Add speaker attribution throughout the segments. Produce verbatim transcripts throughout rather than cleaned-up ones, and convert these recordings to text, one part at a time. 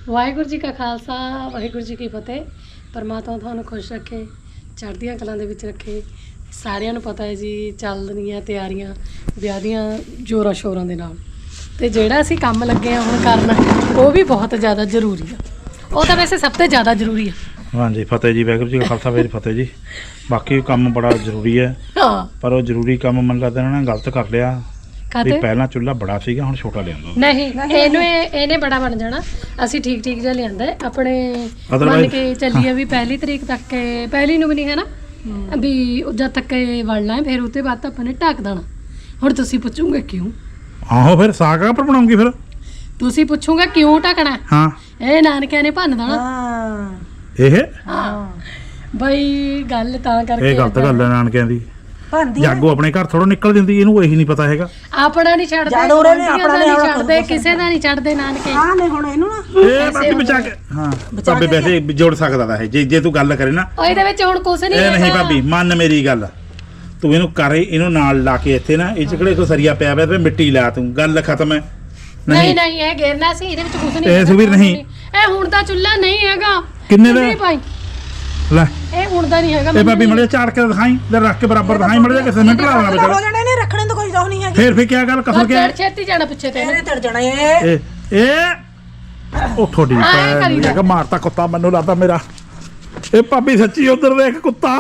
Speaker 1: ਵਾਹਿਗੁਰੂ ਜੀ ਕਾ ਖਾਲਸਾ ਵਾਹਿਗੁਰੂ ਜੀ ਕੀ ਫਤਿਹ। ਪਰਮਾਤਮਾ ਤੁਹਾਨੂੰ ਖੁਸ਼ ਰੱਖੇ, ਚੜ੍ਹਦੀਆਂ ਕਲਾਂ ਦੇ ਵਿੱਚ ਰੱਖੇ। ਸਾਰਿਆਂ ਨੂੰ ਪਤਾ ਹੈ ਜੀ ਚੱਲ ਰਹੀਆਂ ਤਿਆਰੀਆਂ ਵਿਆਹ ਦੀਆਂ ਜ਼ੋਰਾਂ ਸ਼ੋਰਾਂ ਦੇ ਨਾਲ, ਤੇ ਜਿਹੜਾ ਅਸੀਂ ਕੰਮ ਲੱਗੇ ਆ ਹੁਣ ਕਰਨ ਉਹ ਵੀ ਬਹੁਤ ਜ਼ਿਆਦਾ ਜ਼ਰੂਰੀ ਆ। ਉਹ ਤਾਂ ਵੈਸੇ ਸਭ ਤੋਂ ਜ਼ਿਆਦਾ ਜ਼ਰੂਰੀ ਆ। ਹਾਂਜੀ
Speaker 2: ਫਤਿਹ ਜੀ, ਵਾਹਿਗੁਰੂ ਜੀ ਕਾ ਖਾਲਸਾ ਵਾਹਿਗੁਰੂ ਫਤਿਹ ਜੀ। ਬਾਕੀ ਕੰਮ ਬੜਾ ਜ਼ਰੂਰੀ ਹੈ,
Speaker 1: ਹਾਂ, ਪਰ
Speaker 2: ਉਹ ਜ਼ਰੂਰੀ ਕੰਮ ਮੈਨੂੰ ਲੱਗਦਾ ਇਹਨਾਂ ਨੇ ਗਲਤ ਕਰ ਲਿਆ। ਵੀ ਪਹਿਲਾਂ ਚੁੱਲ੍ਹਾ ਬੜਾ ਸੀਗਾ, ਹੁਣ ਛੋਟਾ ਲਿਆਂਦਾ। ਨਹੀਂ,
Speaker 1: ਇਹਨੂੰ ਇਹਨੇ ਬੜਾ ਬਣ ਜਾਣਾ। ਅਸੀਂ ਠੀਕ ਠੀਕ ਜਿਹਾ ਲਿਆਂਦਾ ਆਪਣੇ, ਮੰਨ ਕੇ ਚੱਲੀਏ ਵੀ ਪਹਿਲੀ ਤਰੀਕ ਤੱਕ, ਪਹਿਲੀ ਨੂੰ ਵੀ ਨਹੀਂ ਹੈ ਨਾ ਵੀ ਜਦ ਤੱਕ ਵੜਨਾ ਹੈ, ਫਿਰ ਉਹਦੇ ਬਾਅਦ ਆਪਾਂ ਨੇ ਢੱਕ ਦੇਣਾ। ਹੁਣ ਤੁਸੀਂ ਪੁੱਛੋਗੇ ਕਿਉਂ?
Speaker 2: ਆਹੋ, ਫਿਰ ਸਾਗ ਪਰ ਬਣਾਉਂਗੀ। ਫਿਰ
Speaker 1: ਤੁਸੀਂ ਪੁੱਛੋਗੇ ਕਿਉਂ ਢੱਕਣਾ? ਹਾਂ, ਇਹ ਨਾਨਕਿਆਂ ਨੇ ਭੰਨ ਦੇਣਾ।
Speaker 2: ਇਹ
Speaker 1: ਹਾਂ ਬਈ ਗੱਲ ਤਾਂ ਕਰਕੇ
Speaker 2: ਇਹ ਗਲਤ ਗੱਲ ਹੈ ਨਾਨਕਿਆਂ ਦੀ। ਜਾਗੋ ਆਪਣੇ ਘਰ ਥੋੜਾ ਨਿਕਲ ਜਾਂਦੀ, ਇਹਨੂੰ ਇਹੀ ਨਹੀਂ ਪਤਾ ਹੈਗਾ। ਆਪਣਾ ਨਹੀਂ ਛੱਡਦੇ,
Speaker 1: ਆਪਣਾ ਨਹੀਂ ਛੱਡਦੇ, ਕਿਸੇ ਦਾ ਨਹੀਂ ਛੱਡਦੇ ਨਾਨਕੇ।
Speaker 3: ਹਾਂ ਨੇ ਹੁਣ ਇਹਨੂੰ ਨਾ
Speaker 2: ਇਹ ਬਾਬੀ ਬਚਾ ਕੇ, ਹਾਂ ਭਾਬੀ ਵੈਸੇ ਜੋੜ ਸਕਦਾ ਦਾ ਹੈ ਜੇ ਜੇ ਤੂੰ ਗੱਲ ਕਰੇ ਨਾ।
Speaker 1: ਉਹ ਇਹਦੇ ਵਿੱਚ ਹੁਣ ਕੁਝ ਨਹੀਂ
Speaker 2: ਇਹ ਨਹੀਂ ਭਾਬੀ, ਮੰਨ ਮੇਰੀ ਗੱਲ, ਤੂੰ ਇਹਨੂੰ ਕਰੇ, ਇਹਨੂੰ ਨਾਲ ਲਾ ਕੇ ਇੱਥੇ ਨਾ, ਇਹ ਚ ਕਿਹੜੇ ਕੋ ਸਰੀਆ ਪਿਆ ਪਿਆ ਤੇ ਮਿੱਟੀ ਲਾ, ਤੂੰ ਗੱਲ ਖਤਮ ਹੈ।
Speaker 1: ਨਹੀਂ ਨਹੀਂ ਇਹ ਗੇਰਨਾ ਸੀ, ਇਹਦੇ ਵਿੱਚ ਕੁਝ ਨਹੀਂ।
Speaker 2: ਇਹ ਸੁਵੀਰ ਨਹੀਂ,
Speaker 1: ਇਹ ਹੁਣ ਦਾ ਚੁੱਲ੍ਹਾ ਨਹੀਂ ਹੈਗਾ।
Speaker 2: ਕਿੰਨੇ ਦਾ ਲੈ?
Speaker 1: ਇਹ ਹੁਣ ਦਾ ਨਹੀਂ ਹੈਗਾ।
Speaker 2: ਇਹ ਭਾਬੀ ਮੜੇ ਝਾੜ ਕੇ ਦਿਖਾਈ, ਤੇ ਰੱਖ ਕੇ ਬਰਾਬਰ ਦਿਖਾਈ ਮੜੇ, ਕਿਸੇ ਮਿੰਟ ਲਾ ਦੇਣਾ
Speaker 3: ਹੋ ਜਾਣੇ ਨੇ, ਰੱਖਣੇ ਤਾਂ ਕੋਈ ਰੋਹ ਨਹੀਂ ਹੈਗੀ।
Speaker 2: ਫੇਰ ਫੇਰ ਕੀ ਗੱਲ ਕਸਰ ਕੇ
Speaker 1: ਛੇਤੀ ਜਾਣਾ ਪਿੱਛੇ ਤੇ
Speaker 3: ਇਹਨੇ ਤੜ ਜਾਣਾ। ਇਹ
Speaker 2: ਇਹ ਉਹ ਥੋੜੀ ਭੈਣ ਕਿ ਮਾਰਤਾ ਕੁੱਤਾ, ਮੈਨੂੰ ਲੱਗਦਾ ਮੇਰਾ। ਇਹ ਭਾਬੀ ਸੱਚੀ ਉਧਰ ਦੇਖ ਕੁੱਤਾ।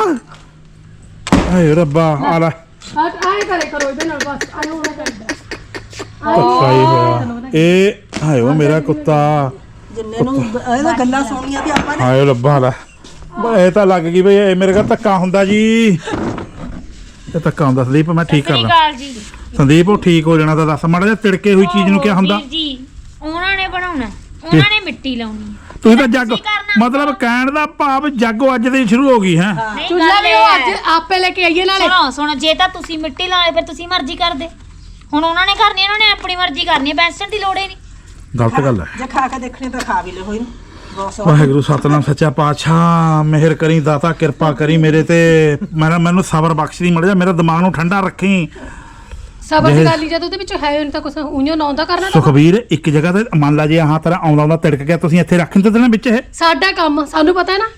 Speaker 2: ਹਾਏ ਰੱਬਾ, ਆ ਲੈ
Speaker 1: ਆਏ ਕਰੇ ਕਰੋ ਇਹਦੇ ਨਾਲ ਬਸ। ਆਏ ਹੋਣਾ ਕਰਦਾ
Speaker 2: ਕੁੱਤਾ ਹੀ ਹੋਇਆ ਇਹ। ਹਾਏ ਉਹ ਮੇਰਾ ਕੁੱਤਾ,
Speaker 3: ਜਿੰਨੇ ਨੂੰ ਇਹਦਾ ਗੱਲਾਂ ਸੁਣੀਆਂ ਤੇ ਆਪਾਂ ਨੇ।
Speaker 2: ਹਾਏ ਰੱਬਾ ਲੈ, ਇਹ ਤਾਂ ਲੱਗ ਗਈ ਬਈ ਇਹ ਮੇਰੇ ਘਰ ਧੱਕਾ ਹੁੰਦਾ ਜੀ। ਇਹ ਧੱਕਾ ਹੁੰਦਾ ਸੰਦੀਪ, ਮੈਂ ਠੀਕ ਕਰਦਾ ਸੰਦੀਪ। ਉਹ ਠੀਕ ਹੋ ਜਾਣਾ ਤਾਂ ਦੱਸ ਮਾੜਾ ਜਿਹਾ। ਤਿੜਕੇ ਹੋਈ ਚੀਜ਼ ਨੂੰ ਕੀ ਹੁੰਦਾ ਜੀ?
Speaker 4: ਉਹਨਾਂ ਨੇ ਬਣਾਉਣਾ, ਉਹਨਾਂ ਨੇ ਮਿੱਟੀ ਲਾਉਣੀ।
Speaker 2: ਤੁਸੀਂ ਤਾਂ ਜੱਗ, ਮਤਲਬ ਕਹਿਣ ਦਾ ਭਾਵ ਜਾਗੋ ਅੱਜ ਦੀ ਸ਼ੁਰੂ ਹੋ ਗਈ ਹੈ।
Speaker 1: ਚੁੱਲ੍ਹਾ ਵੀ ਉਹ ਅੱਜ ਆਪੇ ਲੈ ਕੇ ਆਈਏ ਨਾਲੇ।
Speaker 4: ਸੁਣੋ ਸੁਣੋ, ਜੇ ਤਾਂ ਤੁਸੀਂ ਮਿੱਟੀ ਲਾਉਣੀ ਫਿਰ ਤੁਸੀਂ ਮਰਜ਼ੀ ਕਰਦੇ। ਹੁਣ ਉਹਨਾਂ ਨੇ ਕਰਨੀ, ਉਹਨਾਂ ਨੇ ਆਪਣੀ ਮਰਜ਼ੀ ਕਰਨੀ, ਬੈਂਸਣ ਦੀ ਲੋੜ ਹੀ ਨਹੀਂ।
Speaker 2: ਗਲਤ ਗੱਲ ਹੈ।
Speaker 3: ਜੇ ਖਾ ਕੇ ਦੇਖਣੇ ਤਾਂ ਖਾ ਵੀ ਲੈ ਹੋਈ।
Speaker 2: ਵਾਹਿਗੁਰੂ ਸਤਨਾਮ ਸੱਚਾ ਪਾਤਸ਼ਾਹ, ਮਿਹਰ ਕਰੀ ਦਾਤਾ, ਕਿਰਪਾ ਕਰੀ ਮੇਰੇ ਤੇ। ਮੇਰਾ ਮੈਨੂੰ ਸਬਰ ਬਖਸ਼ ਦੀ, ਮੜ ਜਾ ਮੇਰਾ ਦਿਮਾਗ ਨੂੰ ਠੰਡਾ ਰੱਖੀ।
Speaker 1: ਸਬਰ ਦੀ ਗੱਲ ਹੀ ਜਦ ਉਹਦੇ ਵਿੱਚ ਹੈ ਉਹਨੂੰ ਤਾਂ ਕੁਛ ਉਈਓ ਨਾ ਆਉਂਦਾ ਕਰਨਾ।
Speaker 2: ਸੁਖਬੀਰ ਇੱਕ ਜਗ੍ਹਾ ਤੇ ਮੰਨ ਲਾ ਜੇ ਆਹ ਤਰ੍ਹਾਂ ਆਉਂਦਾ ਆਉਂਦਾ ਤਿੜਕ ਗਿਆ, ਤੁਸੀਂ ਇੱਥੇ ਰੱਖ ਨਹੀਂ ਦੇਣਾ ਵਿੱਚ। ਇਹ
Speaker 1: ਸਾਡਾ ਕੰਮ, ਸਾਨੂੰ ਪਤਾ ਹੈ ਨਾ।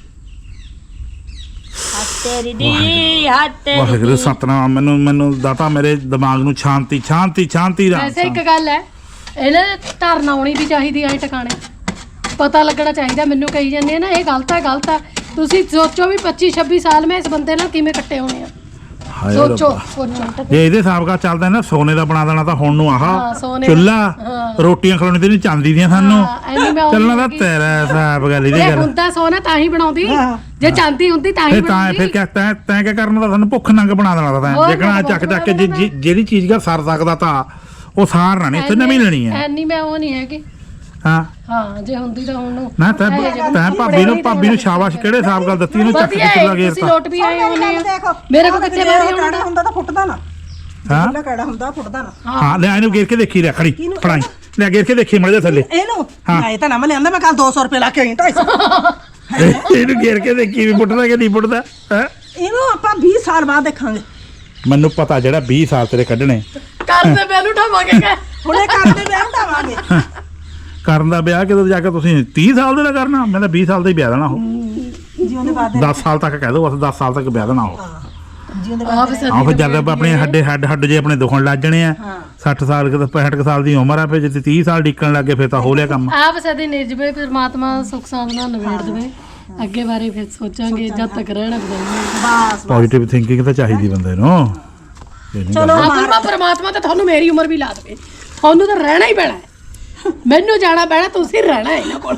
Speaker 4: ਤੇਰੀ ਦੀ ਹੱਥ
Speaker 2: ਵਾਹਿਗੁਰੂ ਸਤਨਾਮ, ਮੈਨੂੰ ਮੈਨੂੰ ਦਾਤਾ ਮੇਰੇ ਦਿਮਾਗ ਨੂੰ ਸ਼ਾਂਤੀ ਸ਼ਾਂਤੀ ਸ਼ਾਂਤੀ ਦਾ।
Speaker 1: ਵੈਸੇ ਇੱਕ ਗੱਲ ਹੈ, ਇਹਨੇ ਧਰਨਾ ਆਉਣੀ ਵੀ ਚਾਹੀਦੀ ਐ ਟਿਕਾਣੇ, ਪਤਾ ਲੱਗਣਾ ਚਾਹੀਦਾ। ਮੈਨੂੰ ਕਹੀ ਜਾਂਦੇ ਆ ਨਾ ਇਹ ਗਲਤ ਹੈ ਗਲਤ ਹੈ। ਤੁਸੀਂ ਸੋਚੋ ਵੀ ਪੱਚੀ ਛੱਬੀ ਸਾਲ ਮੈਂ ਇਸ ਬੰਦੇ ਨਾਲ ਕਿਵੇਂ ਕੱਟੇ ਹੋਣੇ ਆ। ਸੋਚੋ ਸੋਚੋ,
Speaker 2: ਜੇ ਇਹਦੇ ਹਿਸਾਬ ਨਾਲ ਚੱਲਦਾ ਨਾ ਸੋਨੇ ਦਾ ਬਣਾ ਦੇਣਾ ਤਾਂ ਹੁਣ ਨੂੰ ਆਹ ਚੁੱਲ੍ਹਾ, ਰੋਟੀਆਂ ਖਿਲਾਉਣੀ ਤੇ ਨਹੀਂ ਚਾਂਦੀ ਦੀਆਂ ਸਾਨੂੰ। ਚੱਲਣਾ ਤਾਂ ਤੇਰਾ ਹਿਸਾਬ ਗੱਲ ਇਹਦੀ ਗੱਲ।
Speaker 1: ਹੁੰਦਾ ਸੋਨਾ ਤਾਂ ਹੀ ਬਣਾਉਂਦੀ, ਜੇ ਚਾਂਦੀ ਹੁੰਦੀ ਤਾਂ ਹੀ ਬਣਾਉਂਦੀ।
Speaker 2: ਫਿਰ ਕਿਆ ਤੈਂ ਤੈਂ ਕਿਆ ਕਰਨਾ ਤਾਂ ਸਾਨੂੰ ਭੁੱਖ ਨੰਗ ਬਣਾ ਦੇਣਾ ਤਾਂ। ਜੇਕਣਾ ਚੱਕ ਚੱਕ ਕੇ ਜਿਹੜੀ ਚੀਜ਼ ਦਾ ਸਰ ਸਕਦਾ ਤਾਂ ਉਹ ਸਾਰਨਾ ਨਹੀਂ, ਇੱਥੇ ਨਵੀਂ ਲੈਣੀ ਹੈ।
Speaker 1: ਐਨੀ ਮੈਂ ਉਹ ਨਹੀਂ ਹੈਗੀ।
Speaker 2: ਹਾਂ
Speaker 1: ਹਾਂ, ਜੇ ਹੁੰਦੀ ਤਾਂ ਹੁਣ ਨੂੰ
Speaker 2: ਨਾ ਤੈਂ ਤੈਂ ਭਾਬੀ ਨੂੰ ਭਾਬੀ ਨੂੰ ਸ਼ਾਬਾਸ਼ ਕਿਹੜੇ ਹਿਸਾਬ ਗੱਲ ਦਿੱਤੀ, ਇਹਨੂੰ ਚੱਕ ਕੇ ਚੁੱਲਾ ਗੇਰਤਾ।
Speaker 1: ਲੋਟ ਵੀ ਆਏ ਹੋਣੇ ਆ ਮੇਰੇ ਕੋਲ, ਕਿੱਥੇ ਮਾਰੀ
Speaker 3: ਹੋਣਾ ਹੁੰਦਾ ਤਾਂ ਫੁੱਟਦਾ ਨਾ।
Speaker 2: ਹਾਂ
Speaker 3: ਜਿਹੜਾ ਕਿਹੜਾ ਹੁੰਦਾ ਫੁੱਟਦਾ ਨਾ।
Speaker 2: ਹਾਂ ਲੈ ਇਹਨੂੰ ਗੇਰ ਕੇ ਦੇਖੀ, ਲੈ ਖੜੀ ਫੜਾਈ, ਲੈ ਗੇਰ ਕੇ ਦੇਖੀ ਮੜ ਜਾ ਥੱਲੇ
Speaker 3: ਇਹਨੂੰ। ਮੈਂ ਤਾਂ ਨਾ ਮੈਂ ਲਿਆਂਦਾ, ਮੈਂ ਕੱਲ ਦੋ ਸੌ ਰੁਪਏ ਲਾ ਕੇ ਆਈ ਢਾਈ ਸੌ।
Speaker 2: ਇਹਨੂੰ ਗੇਰ ਕੇ ਦੇਖੀ ਵੀ ਫੁੱਟਦਾ ਕਿ ਨਹੀਂ ਫੁੱਟਦਾ। ਹੈ
Speaker 3: ਇਹਨੂੰ ਆਪਾਂ ਵੀਹ ਸਾਲ ਬਾਅਦ ਦੇਖਾਂਗੇ।
Speaker 2: ਮੈਨੂੰ ਪਤਾ ਜਿਹੜਾ ਵੀਹ ਸਾਲ ਤੇਰੇ ਕੱਢਣੇ
Speaker 1: ਕਰਦੇ ਮੈਨੂੰ ਉਠਾਵਾਂਗੇ,
Speaker 3: ਹੁਣੇ ਕਰਦੇ ਵਿਆਹ ਉਠਾਵਾਂਗੇ।
Speaker 2: ਕਰਨ ਦਾ ਵਿਆਹ ਕਿਦੋਂ ਜਾ ਕੇ ਤੁਸੀਂ ਤੀਹ ਸਾਲ ਦੇ ਨਾਲ ਕਰਨਾ? ਮੈਂ ਤਾਂ ਵੀਹ ਸਾਲ ਦਾ ਹੀ ਵਿਆਹ ਦੇਣਾ। ਉਹ
Speaker 3: ਜੀ ਉਹਦੇ ਬਾਅਦ
Speaker 2: ਦਸ ਸਾਲ ਤੱਕ ਕਹਿ ਦੋ, ਬਸ ਦਸ ਸਾਲ ਤੱਕ ਵਿਆਹ ਦੇਣਾ ਉਹ।
Speaker 3: ਜੀ ਉਹਦੇ ਬਾਅਦ
Speaker 2: ਆਹ ਫਿਰ ਜਦ ਆਪਣੇ ਹੱਡੇ ਹੱਡ ਹੱਡ ਜੇ ਆਪਣੇ ਦੁਖਣ ਲੱਗ ਜਣੇ ਆ। ਸੱਠ ਸਾਲ ਕਿ ਪੈਂਹਠ ਕੁ ਸਾਲ ਦੀ ਉਮਰ ਆ, ਫਿਰ ਜੇ ਤੀਹ ਸਾਲ ਡਿੱਕਣ ਲੱਗੇ ਫਿਰ ਤਾਂ ਹੋ ਲਿਆ ਕੰਮ।
Speaker 1: ਆਪ ਸਦੇ ਨਿਰਜਵੇ, ਪਰਮਾਤਮਾ ਸੁਖ ਸਾਂਦ ਨਾਲ ਨਵੇੜ ਦੇਵੇ। ਅੱਗੇ ਬਾਰੇ ਫਿਰ ਸੋਚਾਂਗੇ, ਜਦ ਤੱਕ ਰਹਿਣਾ ਬਦਲਣਾ।
Speaker 3: ਬਸ
Speaker 2: ਪੋਜ਼ਿਟਿਵ ਥਿੰਕਿੰਗ ਤਾਂ ਚਾਹੀਦੀ ਬੰਦੇ ਨੂੰ।
Speaker 3: ਚਲੋ
Speaker 1: ਪਰਮਾਤਮਾ ਤਾਂ ਤੁਹਾਨੂੰ ਮੇਰੀ ਉਮਰ ਵੀ ਲਾ ਦੇਵੇ, ਤੁਹਾਨੂੰ ਤਾਂ ਰਹਿਣਾ ਹੀ ਪੈਣਾ। ਮੈਨੂੰ ਜਾਣਾ ਪੈਣਾ, ਤੁਸੀਂ ਰਹਿਣਾ ਇਹਨਾਂ ਕੋਲ।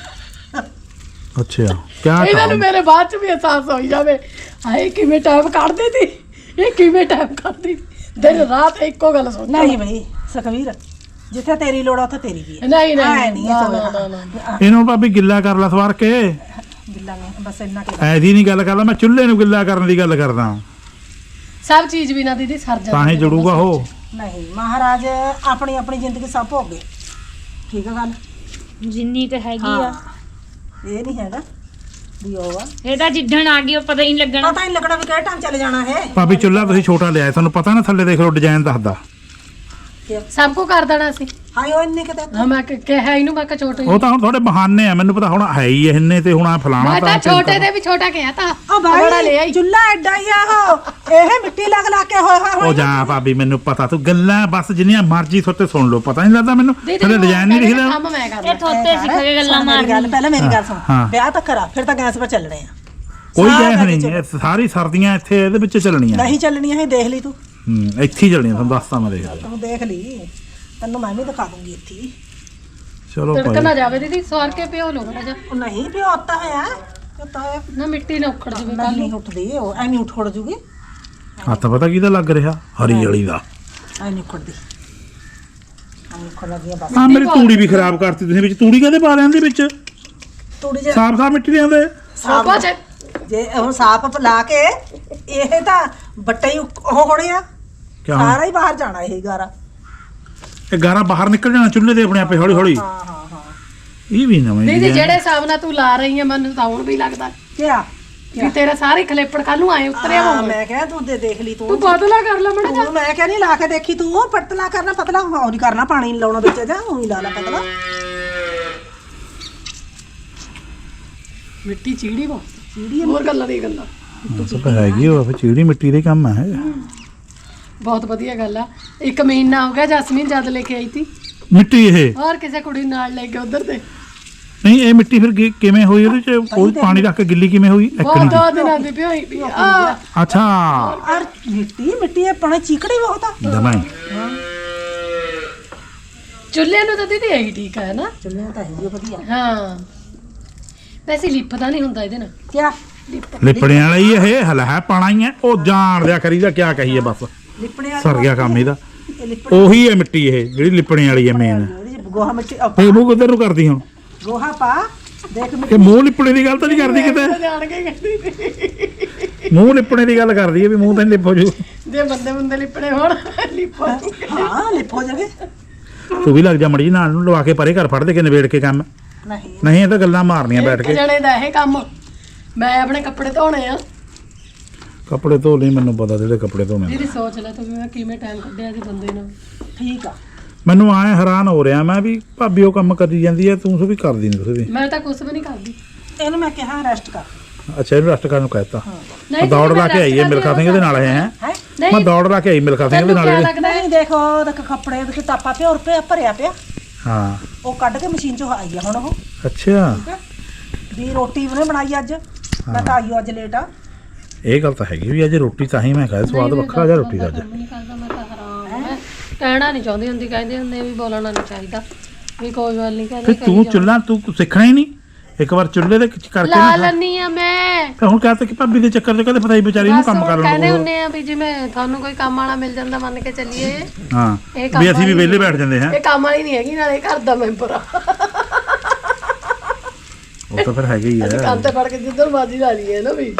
Speaker 2: ਅੱਛਾ ਕਿਆ
Speaker 1: ਇਹਨਾਂ ਨੂੰ ਮੇਰੇ ਬਾਅਦ ਚ ਵੀ ਅਹਿਸਾਸ ਹੋਈ ਜਾਵੇ, ਹਾਏ ਕਿਵੇਂ ਟਾਈਮ ਕੱਢਦੇ ਸੀ, ਇਹ ਕਿਵੇਂ ਟਾਈਮ ਕੱਢਦੀ ਦਿਨ ਰਾਤ ਇੱਕੋ ਗੱਲ ਸੋਚ।
Speaker 3: ਨਹੀਂ ਬਈ ਸੁਖਵੀਰ, ਜਿੱਥੇ ਤੇਰੀ ਲੋੜ ਆ ਉੱਥੇ ਤੇਰੀ ਵੀ ਹੈ।
Speaker 1: ਨਹੀਂ
Speaker 3: ਨਹੀਂ
Speaker 1: ਨਹੀਂ
Speaker 2: ਇਹਨੂੰ ਭਾਬੀ ਗਿੱਲਾ ਕਰ ਲੈ ਸਵਾਰ ਕੇ।
Speaker 3: ਗਿੱਲਾ ਨਹੀਂ, ਬਸ ਇੰਨਾ ਕਿ
Speaker 2: ਐਸੀ ਨਹੀਂ ਗੱਲ ਕਰਦਾ, ਮੈਂ ਚੁੱਲ੍ਹੇ ਨੂੰ ਗਿੱਲਾ ਕਰਨ ਦੀ ਗੱਲ ਕਰਦਾ।
Speaker 1: ਸਭ ਚੀਜ਼ ਵੀ ਨਾ ਦੀਦੀ ਸਰ ਜਾ
Speaker 2: ਤਾਂ ਹੀ ਜੁੜੂਗਾ ਉਹ।
Speaker 3: ਨਹੀਂ, ਮਹਾਰਾਜ ਆਪਣੀ ਆਪਣੀ ਜ਼ਿੰਦਗੀ ਸਭ ਭੋਗੇ। ਠੀਕ ਆ ਗੱਲ,
Speaker 4: ਜਿੰਨੀ ਕੁ ਹੈਗੀ ਆ।
Speaker 3: ਇਹ ਨਹੀਂ ਹੈਗਾ ਵੀ ਉਹ ਆ,
Speaker 4: ਇਹ ਤਾਂ ਜਿੱਦਣ ਆ ਗਈ ਉਹ ਪਤਾ ਹੀ ਨਹੀਂ ਲੱਗਣਾ।
Speaker 3: ਪਤਾ ਹੀ ਲੱਗਣਾ ਵੀ ਕਿਹੜੇ ਟਾਈਮ ਚਲੇ ਜਾਣਾ ਹੈ।
Speaker 2: ਭਾਬੀ ਚੁੱਲ੍ਹਾ ਤੁਸੀਂ ਛੋਟਾ ਲਿਆ, ਤੁਹਾਨੂੰ ਪਤਾ ਨਾ ਥੱਲੇ ਦੇਖ ਲਓ ਡਿਜ਼ਾਈਨ ਦੱਸਦਾ।
Speaker 1: ਸਭ ਕੁਝ ਕਰ ਦੇਣਾ ਸੀ।
Speaker 3: ਹਾਏ ਉਹ ਇੰਨੇ ਕਿਤੇ
Speaker 1: ਹਾਂ ਮੈਂ ਕਿ- ਕਿਹਾ ਇਹਨੂੰ ਮੈਂ ਕਿ ਛੋਟੇ
Speaker 2: ਉਹ ਤਾਂ ਹੁਣ ਤੁਹਾਡੇ ਬਹਾਨੇ ਆ ਮੈਨੂੰ ਪਤਾ ਹੁਣ ਹੈ ਹੀ ਇਹਨੇ ਤੇ ਹੁਣ ਆ ਫਲਾਣਾ
Speaker 1: ਮੈਂ ਤਾਂ ਛੋਟੇ ਦੇ ਵੀ ਛੋਟਾ ਕਿਹਾ ਤਾਂ
Speaker 3: ਆ
Speaker 1: ਬੜਾ ਲੈ
Speaker 3: ਭਾਈ
Speaker 1: ਆਈ
Speaker 3: ਚੁੱਲਾ ਐਡਾ ਹੀ ਆ ਉਹ ਇਹ ਮਿੱਟੀ ਲੱਗ ਲਾ ਕੇ ਹੋਇਆ
Speaker 2: ਉਹ
Speaker 3: ਹੋਇਆ
Speaker 2: ਜਾ ਭਾਬੀ ਮੈਨੂੰ ਪਤਾ ਤੂੰ ਗੱਲਾਂ ਬਸ ਜਿੰਨੀਆਂ ਮਰਜ਼ੀ ਥੋਤੇ ਸੁਣ ਲਓ ਪਤਾ ਨਹੀਂ ਲੱਗਦਾ ਮੈਨੂੰ ਥੋੜੇ ਡਿਜ਼ਾਈਨ ਨਹੀਂ ਲਿਖਦਾ
Speaker 1: ਕੰਮ ਮੈਂ
Speaker 4: ਇਹ
Speaker 1: ਕਰਦਾ
Speaker 4: ਥੋਤੇ ਸਿੱਖ ਕੇ ਗੱਲਾਂ
Speaker 3: ਮੇਰੀ ਗੱਲ
Speaker 4: ਮਾਰਨੀ
Speaker 3: ਪਹਿਲਾਂ ਮੇਰੀ ਗੱਲ ਸੁਣ
Speaker 2: ਹਾਂ।
Speaker 3: ਵਿਆਹ ਤਾਂ ਕਰਾ ਫਿਰ ਤਾਂ ਗੈਸ 'ਤੇ ਚੱਲਣੇ ਆ
Speaker 2: ਕੋਈ
Speaker 3: ਸਾਰਾ
Speaker 2: ਗੈਸ ਨਹੀਂ
Speaker 3: ਵਿੱਚ-
Speaker 2: ਇਹ ਸਾਰੀ ਸਰਦੀਆਂ ਇੱਥੇ ਇਹਦੇ ਵਿੱਚ ਚੱਲਣੀਆਂ
Speaker 3: ਨਹੀਂ ਚੱਲਣੀਆਂ ਇਹ ਦੇਖ ਲਈ ਤੂੰ
Speaker 2: ਹੂੰ ਇੱਥੇ ਹੀ ਚੱਲਣੀਆਂ ਤੁਹਾਨੂੰ ਦੱਸਤਾ ਮੈਂ ਦੇਖ
Speaker 3: ਤੂੰ ਦੇਖ ਲਈ ਤੈਨੂੰ ਮੈਂ ਵੀ ਦਿਖਾ ਦੂੰਗੀ ਇੱਥੇ ਹੀ।
Speaker 2: ਚਲੋ
Speaker 1: ਤੜਕਾ
Speaker 2: ਭਾਈ
Speaker 1: ਨਾ ਜਾਵੇ ਦੀਦੀ ਸਵਾਰ ਕੇ ਪਿਓ ਲੋ ਬੜਾ ਜਾ
Speaker 3: ਉਹ ਨਹੀਂ ਵੀ ਉੱਤਾ ਹੋਇਆ ਉੱਤਾ ਹੋਇਆ
Speaker 1: ਨਾ ਮਿੱਟੀ ਨਾ ਉਖੜ ਜਾਵੇ ਕੱਲ
Speaker 3: ਨਹੀਂ ਉੱਠਦੀ ਉਹ ਐਵੇਂ ਉੱਠ ਖੜ ਜੂਗੀ
Speaker 2: ਹੱਥ ਪਤਾ ਕਿਹਦਾ ਲੱਗ ਰਿਹਾ ਹਰੀ ਵਾਲੀ ਦਾ
Speaker 3: ਐ ਨਹੀਂ ਉੱਠਦੀ ਐਵੇਂ ਉੱਠ ਲੱਗੀ ਆ ਬਸ
Speaker 2: ਆ ਮੇਰੀ ਤੂੜੀ ਵੀ ਖਰਾਬ ਕਰਤੀ ਤੁਸੀਂ ਵਿੱਚ ਤੂੜੀ ਕਦੇ ਪਾ ਲੈਂਦੇ ਵਿੱਚ
Speaker 3: ਥੋੜੀ ਜਿਹੀ
Speaker 2: ਸਾਫ ਸਾਫ ਮਿੱਟੀ ਦੇ ਆਉਂਦੇ
Speaker 1: ਸੋਪਾ ਚ
Speaker 3: ਜੇ ਹੁਣ ਸਾਫ ਲਾ ਕੇ ਇਹ ਤਾਂ ਬੱਟੇ ਹੀ ਉਹ ਹੋਣੇ ਆ
Speaker 2: ਕਿਆ
Speaker 3: ਸਾਰਾ ਹੀ ਬਾਹਰ ਜਾਣਾ ਇਹ ਗਾਰਾ
Speaker 2: ਇਹ ਗਾਰਾ ਬਾਹਰ ਨਿਕਲ ਜਾਣਾ ਚੁੱਲ੍ਹੇ ਦੇ ਆਪਣੇ ਆਪੇ ਹੌਲੀ ਹੌਲੀ
Speaker 3: ਹਾਂ ਹਾਂ ਹਾਂ
Speaker 2: ਇਹ ਵੀ ਨਵਾਂ
Speaker 1: ਦੀਦੀ
Speaker 2: ਹੀ
Speaker 1: ਜਿਹੜੇ ਹਿਸਾਬ ਨਾਲ ਤੂੰ ਲਾ ਰਹੀ ਹੈ ਮੈਨੂੰ ਤਾਂ ਹੁਣ ਵੀ ਲੱਗਦਾ
Speaker 3: ਕਿਆ
Speaker 1: ਵੀ ਤੇਰਾ ਸਾਰੇ ਖਲੇਪੜ ਕੱਲ ਨੂੰ ਆਏ ਉਤਰਿਆ
Speaker 3: ਹਾਂ,
Speaker 1: ਹੋਵੇ
Speaker 3: ਮੈਂ ਕਿਹਾ ਤੂੰ ਦੇ ਦੇਖ ਲਈ
Speaker 1: ਤੂੰ
Speaker 3: ਤੂੰ
Speaker 1: ਬਦਲਾ ਕਰ ਲੈ ਮੜਾ ਜਾ
Speaker 3: ਤੂੰ ਮੈਂ ਕਿਹਾ ਨਹੀਂ ਲਾ ਕੇ ਦੇਖੀ ਤੂੰ ਪਤਲਾ ਕਰਨਾ ਪਤਲਾ ਹੋ ਨਹੀਂ ਕਰਨਾ ਪਾਣੀ ਨੀ ਲਾਉਣਾ ਵਿੱਚ ਜਾ ਉਹੀ ਲਾ ਲਾ ਪਤਲਾ
Speaker 1: ਮਿੱਟੀ ਚੀੜੀ ਵਾ
Speaker 3: ਚੀੜੀ
Speaker 1: ਹੋਰ ਗੱਲਾਂ ਦੀ ਗੱਲਾਂ
Speaker 2: ਤਾਂ ਹੈਗੀ ਉਹ ਫਿਰ ਚੀੜੀ ਮਿੱਟੀ ਦੇ ਕੰਮ ਹੈ
Speaker 1: ਬਹੁਤ ਵਧੀਆ ਗੱਲ ਆ ਇੱਕ ਮਹੀਨਾ ਹੋ ਗਿਆ ਜਸਮੀਨ ਜਦ ਲੈ ਕੇ ਆਈ ਤੀ
Speaker 2: ਮਿੱਟੀ ਇਹ
Speaker 1: ਹੋਰ ਕਿਸੇ ਕੁੜੀ ਨਾਲ ਲੈ ਕੇ ਉਧਰ ਤੇ
Speaker 2: ਨਹੀਂ ਇਹ ਮਿੱਟੀ ਫਿਰ ਕਿ- ਕਿਵੇਂ ਹੋਈ ਉਹਦੇ ਚ ਕੋਈ ਪਾਣੀ ਰੱਖ ਕੇ ਗਿੱਲੀ ਕਿਵੇਂ ਹੋਈ ਇੱਕ
Speaker 1: ਬਹੁਤ
Speaker 2: ਨਹੀਂ
Speaker 1: ਦੋ ਦਿਨਾਂ ਦੀ ਪਿਓਈ ਪਈ ਆ
Speaker 2: ਅੱਛਾ
Speaker 3: ਔਰ ਮਿੱਟੀ ਮਿੱਟੀ ਆਪਣੇ ਚੀਕੜੀ ਬਹੁਤ ਆ
Speaker 2: ਦਮਾਈ
Speaker 1: ਚੁੱਲ੍ਹੇ ਨੂੰ ਤਾਂ ਦੀਦੀ ਇਹੀ ਠੀਕ ਹੈ ਨਾ
Speaker 3: ਚੱਲਿਆ ਤਾਂ ਹੈ ਵਧੀਆ
Speaker 1: ਹਾਂ ਵੈਸੇ ਲਿਪਦਾ ਨਹੀਂ ਹੁੰਦਾ ਇਹਦੇ ਨਾਲ
Speaker 3: ਕਿਆ
Speaker 2: ਲਿਪੜਿਆਂ ਵਾਲਾ ਹੀ ਇਹ ਹਲ ਹੈ ਪਾਣਾ ਹੀ ਹੈ ਉਹ ਜਾਣ ਦਿਆ ਕਰੀਦਾ ਕਿਆ ਕਹੀਏ ਬਸ
Speaker 3: ਲਿਪਣੇ ਵਾਲੀ
Speaker 2: ਸਰ ਗਿਆ ਕੰਮ ਇਹਦਾ
Speaker 3: ਇਹ ਲਿਪਣੇ
Speaker 2: ਉਹੀ ਹੈ ਮਿੱਟੀ ਇਹ ਜਿਹੜੀ ਲਿਪਣੇ ਵਾਲੀ ਹੈ ਮੇਨ
Speaker 3: ਉਹਦੇ ਚ ਗੋਹਾ ਮਿੱਟੀ ਅਹ,
Speaker 2: ਇਹ ਮੂੰਹ ਕਿੱਧਰ ਨੂੰ ਕਰਦੀ ਹੁਣ
Speaker 3: ਗੋਹਾ ਪਾ ਦੇਖ ਮਿੱਟੀ
Speaker 2: ਕਿ ਮੂੰਹ ਲਿਪਣੇ ਦੀ ਗੱਲ ਤਾਂ ਨਹੀਂ ਕਰਦੀ ਕਿਤੇ
Speaker 1: ਜਾਣ ਕੇ ਕਹਿੰਦੀ
Speaker 2: ਮੂੰਹ ਲਿਪਣੇ ਦੀ ਗੱਲ ਕਰਦੀ ਹੈ ਵੀ ਮੂੰਹ ਤਾਂ ਨੀ ਲਿਪ ਹੋ ਜੂ
Speaker 1: ਜੇ ਬੰਦੇ ਬੰਦੇ ਲਿਪੜੇ ਹੋਣ ਲਿਪੋ
Speaker 3: ਹਾਂ ਲਿਪ ਹੋ ਜਾਵੇ
Speaker 2: ਤੂੰ ਵੀ ਲੱਗ ਜਾ ਮੜੀ ਨਾਲ ਨੂੰ ਲਵਾ ਕੇ ਪਰੇ ਘਰ ਫੜ ਦੇ ਕੇ ਨਿਬੇੜ ਕੇ ਕੰਮ
Speaker 3: ਨਹੀਂ
Speaker 2: ਨਹੀਂ ਇਹ ਤਾਂ ਗੱਲਾਂ ਮਾਰਨੀਆਂ ਬੈਠ
Speaker 1: ਇੱਕ
Speaker 2: ਕੇ
Speaker 1: ਜਣੇ ਦਾ ਇਹ ਕੰਮ ਮੈਂ ਆਪਣੇ ਕੱਪੜੇ ਧੋਣੇ ਆ
Speaker 2: ਕੱਪੜੇ ਧੋ ਲਈ ਮੈਨੂੰ ਪਤਾ ਜਿਹੜੇ ਕੱਪੜੇ ਧੋਣੇ
Speaker 1: ਦੀਦੀ ਸੋਚ ਲੈ ਤੂੰ ਵੀ ਮੈਂ ਕਿਵੇਂ ਟਾਈਮ ਕੱਢਿਆ ਸੀ ਬੰਦੇ ਨਾਲ
Speaker 3: ਠੀਕ ਆ
Speaker 2: ਮੈਨੂੰ ਆਏ ਹੈਰਾਨ ਹੋ ਰਿਹਾ ਮੈਂ ਵੀ ਭਾਬੀ ਉਹ ਕੰਮ ਕਰੀ ਜਾਂਦੀ ਹੈ ਤੂੰ ਸੋ ਵੀ ਕਰਦੀ ਨਹੀਂ ਤੁਸੀਂ ਵੀ
Speaker 1: ਮੈਂ ਤਾਂ ਕੁਝ ਵੀ ਨਹੀਂ ਕਰਦੀ
Speaker 3: ਇਹਨੂੰ ਮੈਂ ਕਿਹਾ ਰੈਸਟ ਕਰ
Speaker 2: ਅੱਛਾ ਇਹਨੂੰ ਰੈਸਟ ਕਰਨ ਨੂੰ ਕਹਿਤਾ
Speaker 1: ਨਹੀਂ
Speaker 2: ਮੈਂ ਦੌੜ ਲਾ ਕੇ ਆਈ ਹੈ ਮਿਲਖਾ ਸਿੰਘ ਦੇ ਨਾਲ ਹੈ ਹੈਂ?
Speaker 3: ਹੈ
Speaker 2: ਮੈਂ
Speaker 1: ਨਹੀਂ
Speaker 2: ਦੌੜ ਲਾ ਕੇ ਆਈ ਮਿਲਖਾ ਸਿੰਘ ਦੇ
Speaker 1: ਤੈਨੂੰ
Speaker 2: ਨਾਲ
Speaker 1: ਕਿਆ
Speaker 2: ਇਹਦੇ।
Speaker 1: ਲੱਗਦਾ ਹੈ
Speaker 3: ਨਹੀਂ ਦੇਖੋ ਦੇਖ ਕੱਪੜੇ ਦੇ ਟਾਪਾ ਪਿਆ ਔਰ ਪਿਆ ਭਰਿਆ ਪਿਆ
Speaker 2: ਹਾਂ
Speaker 3: ਉਹ ਕੱਢ ਕੇ ਮਸ਼ੀਨ ਚੋਂ ਆਈ ਆ ਹੁਣ ਉਹ
Speaker 2: ਅੱਛਾ
Speaker 3: ਠੀਕ ਆ ਵੀ ਰੋਟੀ ਉਹਨੇ ਬਣਾਈ ਅੱਜ ਮੈਂ ਤਾਂ ਆਈ ਓ ਅੱਜ ਲੇਟ ਆ
Speaker 2: ਇਹ ਗੱਲ ਤਾਂ ਹੈਗੀ ਵੀ ਅੱਜ ਰੋਟੀ ਤਾਂ ਹੀ ਮੈਂ ਖਾਇਆ ਸਵਾਦ ਵੱਖਰਾ ਜਿਹਾ ਰੋਟੀ ਦਾ ਅੱਜ
Speaker 1: ਨਹੀਂ ਕਰਦਾ ਮੈਂ ਤਾਂ ਹਰਾਮ ਮੈਂ ਕਹਿਣਾ ਨਹੀਂ ਚਾਹੁੰਦੀ ਹੁੰਦੀ ਕਹਿੰਦੇ ਹੁੰਦੇ ਵੀ ਬੋਲਣਾ ਨਹੀਂ ਚਾਹੀਦਾ ਵੀ ਕੋਈ ਗੱਲ ਨਹੀਂ
Speaker 2: ਫਿਰ
Speaker 1: ਕਹਿੰਦੇ
Speaker 2: ਤੂੰ ਚੁੱਲ੍ਹਾ ਤੂੰ ਸਿੱਖਣਾ ਹੀ ਨਹੀਂ ਇੱਕ ਵਾਰ ਚੁੱਲ੍ਹੇ ਦੇ ਵਿੱਚ ਕਰਕੇ
Speaker 1: ਲਾ
Speaker 2: ਨਾ ਖਾ।
Speaker 1: ਲੈਣੀ ਆ ਮੈਂ
Speaker 2: ਤੇ ਹੁਣ ਕਹਤਾ ਕਿ ਭਾਬੀ ਦੇ ਚੱਕਰ 'ਚ ਕਦੇ ਪਤਾ ਹੀ ਵਿਚਾਰੀ ਨੂੰ
Speaker 1: ਬਸ
Speaker 2: ਕੰਮ
Speaker 1: ਹੁਣ
Speaker 2: ਕਰਨ
Speaker 1: ਕਹਿੰਦੇ
Speaker 2: ਨੂੰ
Speaker 1: ਹੁੰਦੇ ਆ ਵੀ ਜਿਵੇਂ ਤੁਹਾਨੂੰ ਕੋਈ ਕੰਮ ਵਾਲਾ ਮਿਲ ਜਾਂਦਾ ਮੰਨ ਕੇ ਚੱਲੀਏ
Speaker 2: ਹਾਂ
Speaker 1: ਇਹ ਕੰਮ
Speaker 2: ਵੀ ਅਸੀਂ ਵੀ
Speaker 1: ਵਾਲੀ
Speaker 2: ਵਿਹਲੇ ਬੈਠ ਜਾਂਦੇ ਹਾਂ
Speaker 1: ਇਹ ਕੰਮ ਵਾਲੀ ਨਹੀਂ ਹੈਗੀ ਨਾਲੇ ਘਰ ਦਾ ਮੈਂਬਰ ਆ
Speaker 2: ਉਹ ਤਾਂ ਫਿਰ ਹੈਗੇ ਹੀ
Speaker 1: ਅਸੀਂ
Speaker 2: ਹੈ
Speaker 1: ਕੰਨ ਤੇ ਫੜ ਕੇ ਜਿੱਧਰ ਬਾਜੀ ਲਾ ਲਈਏ ਨਾ ਵੀ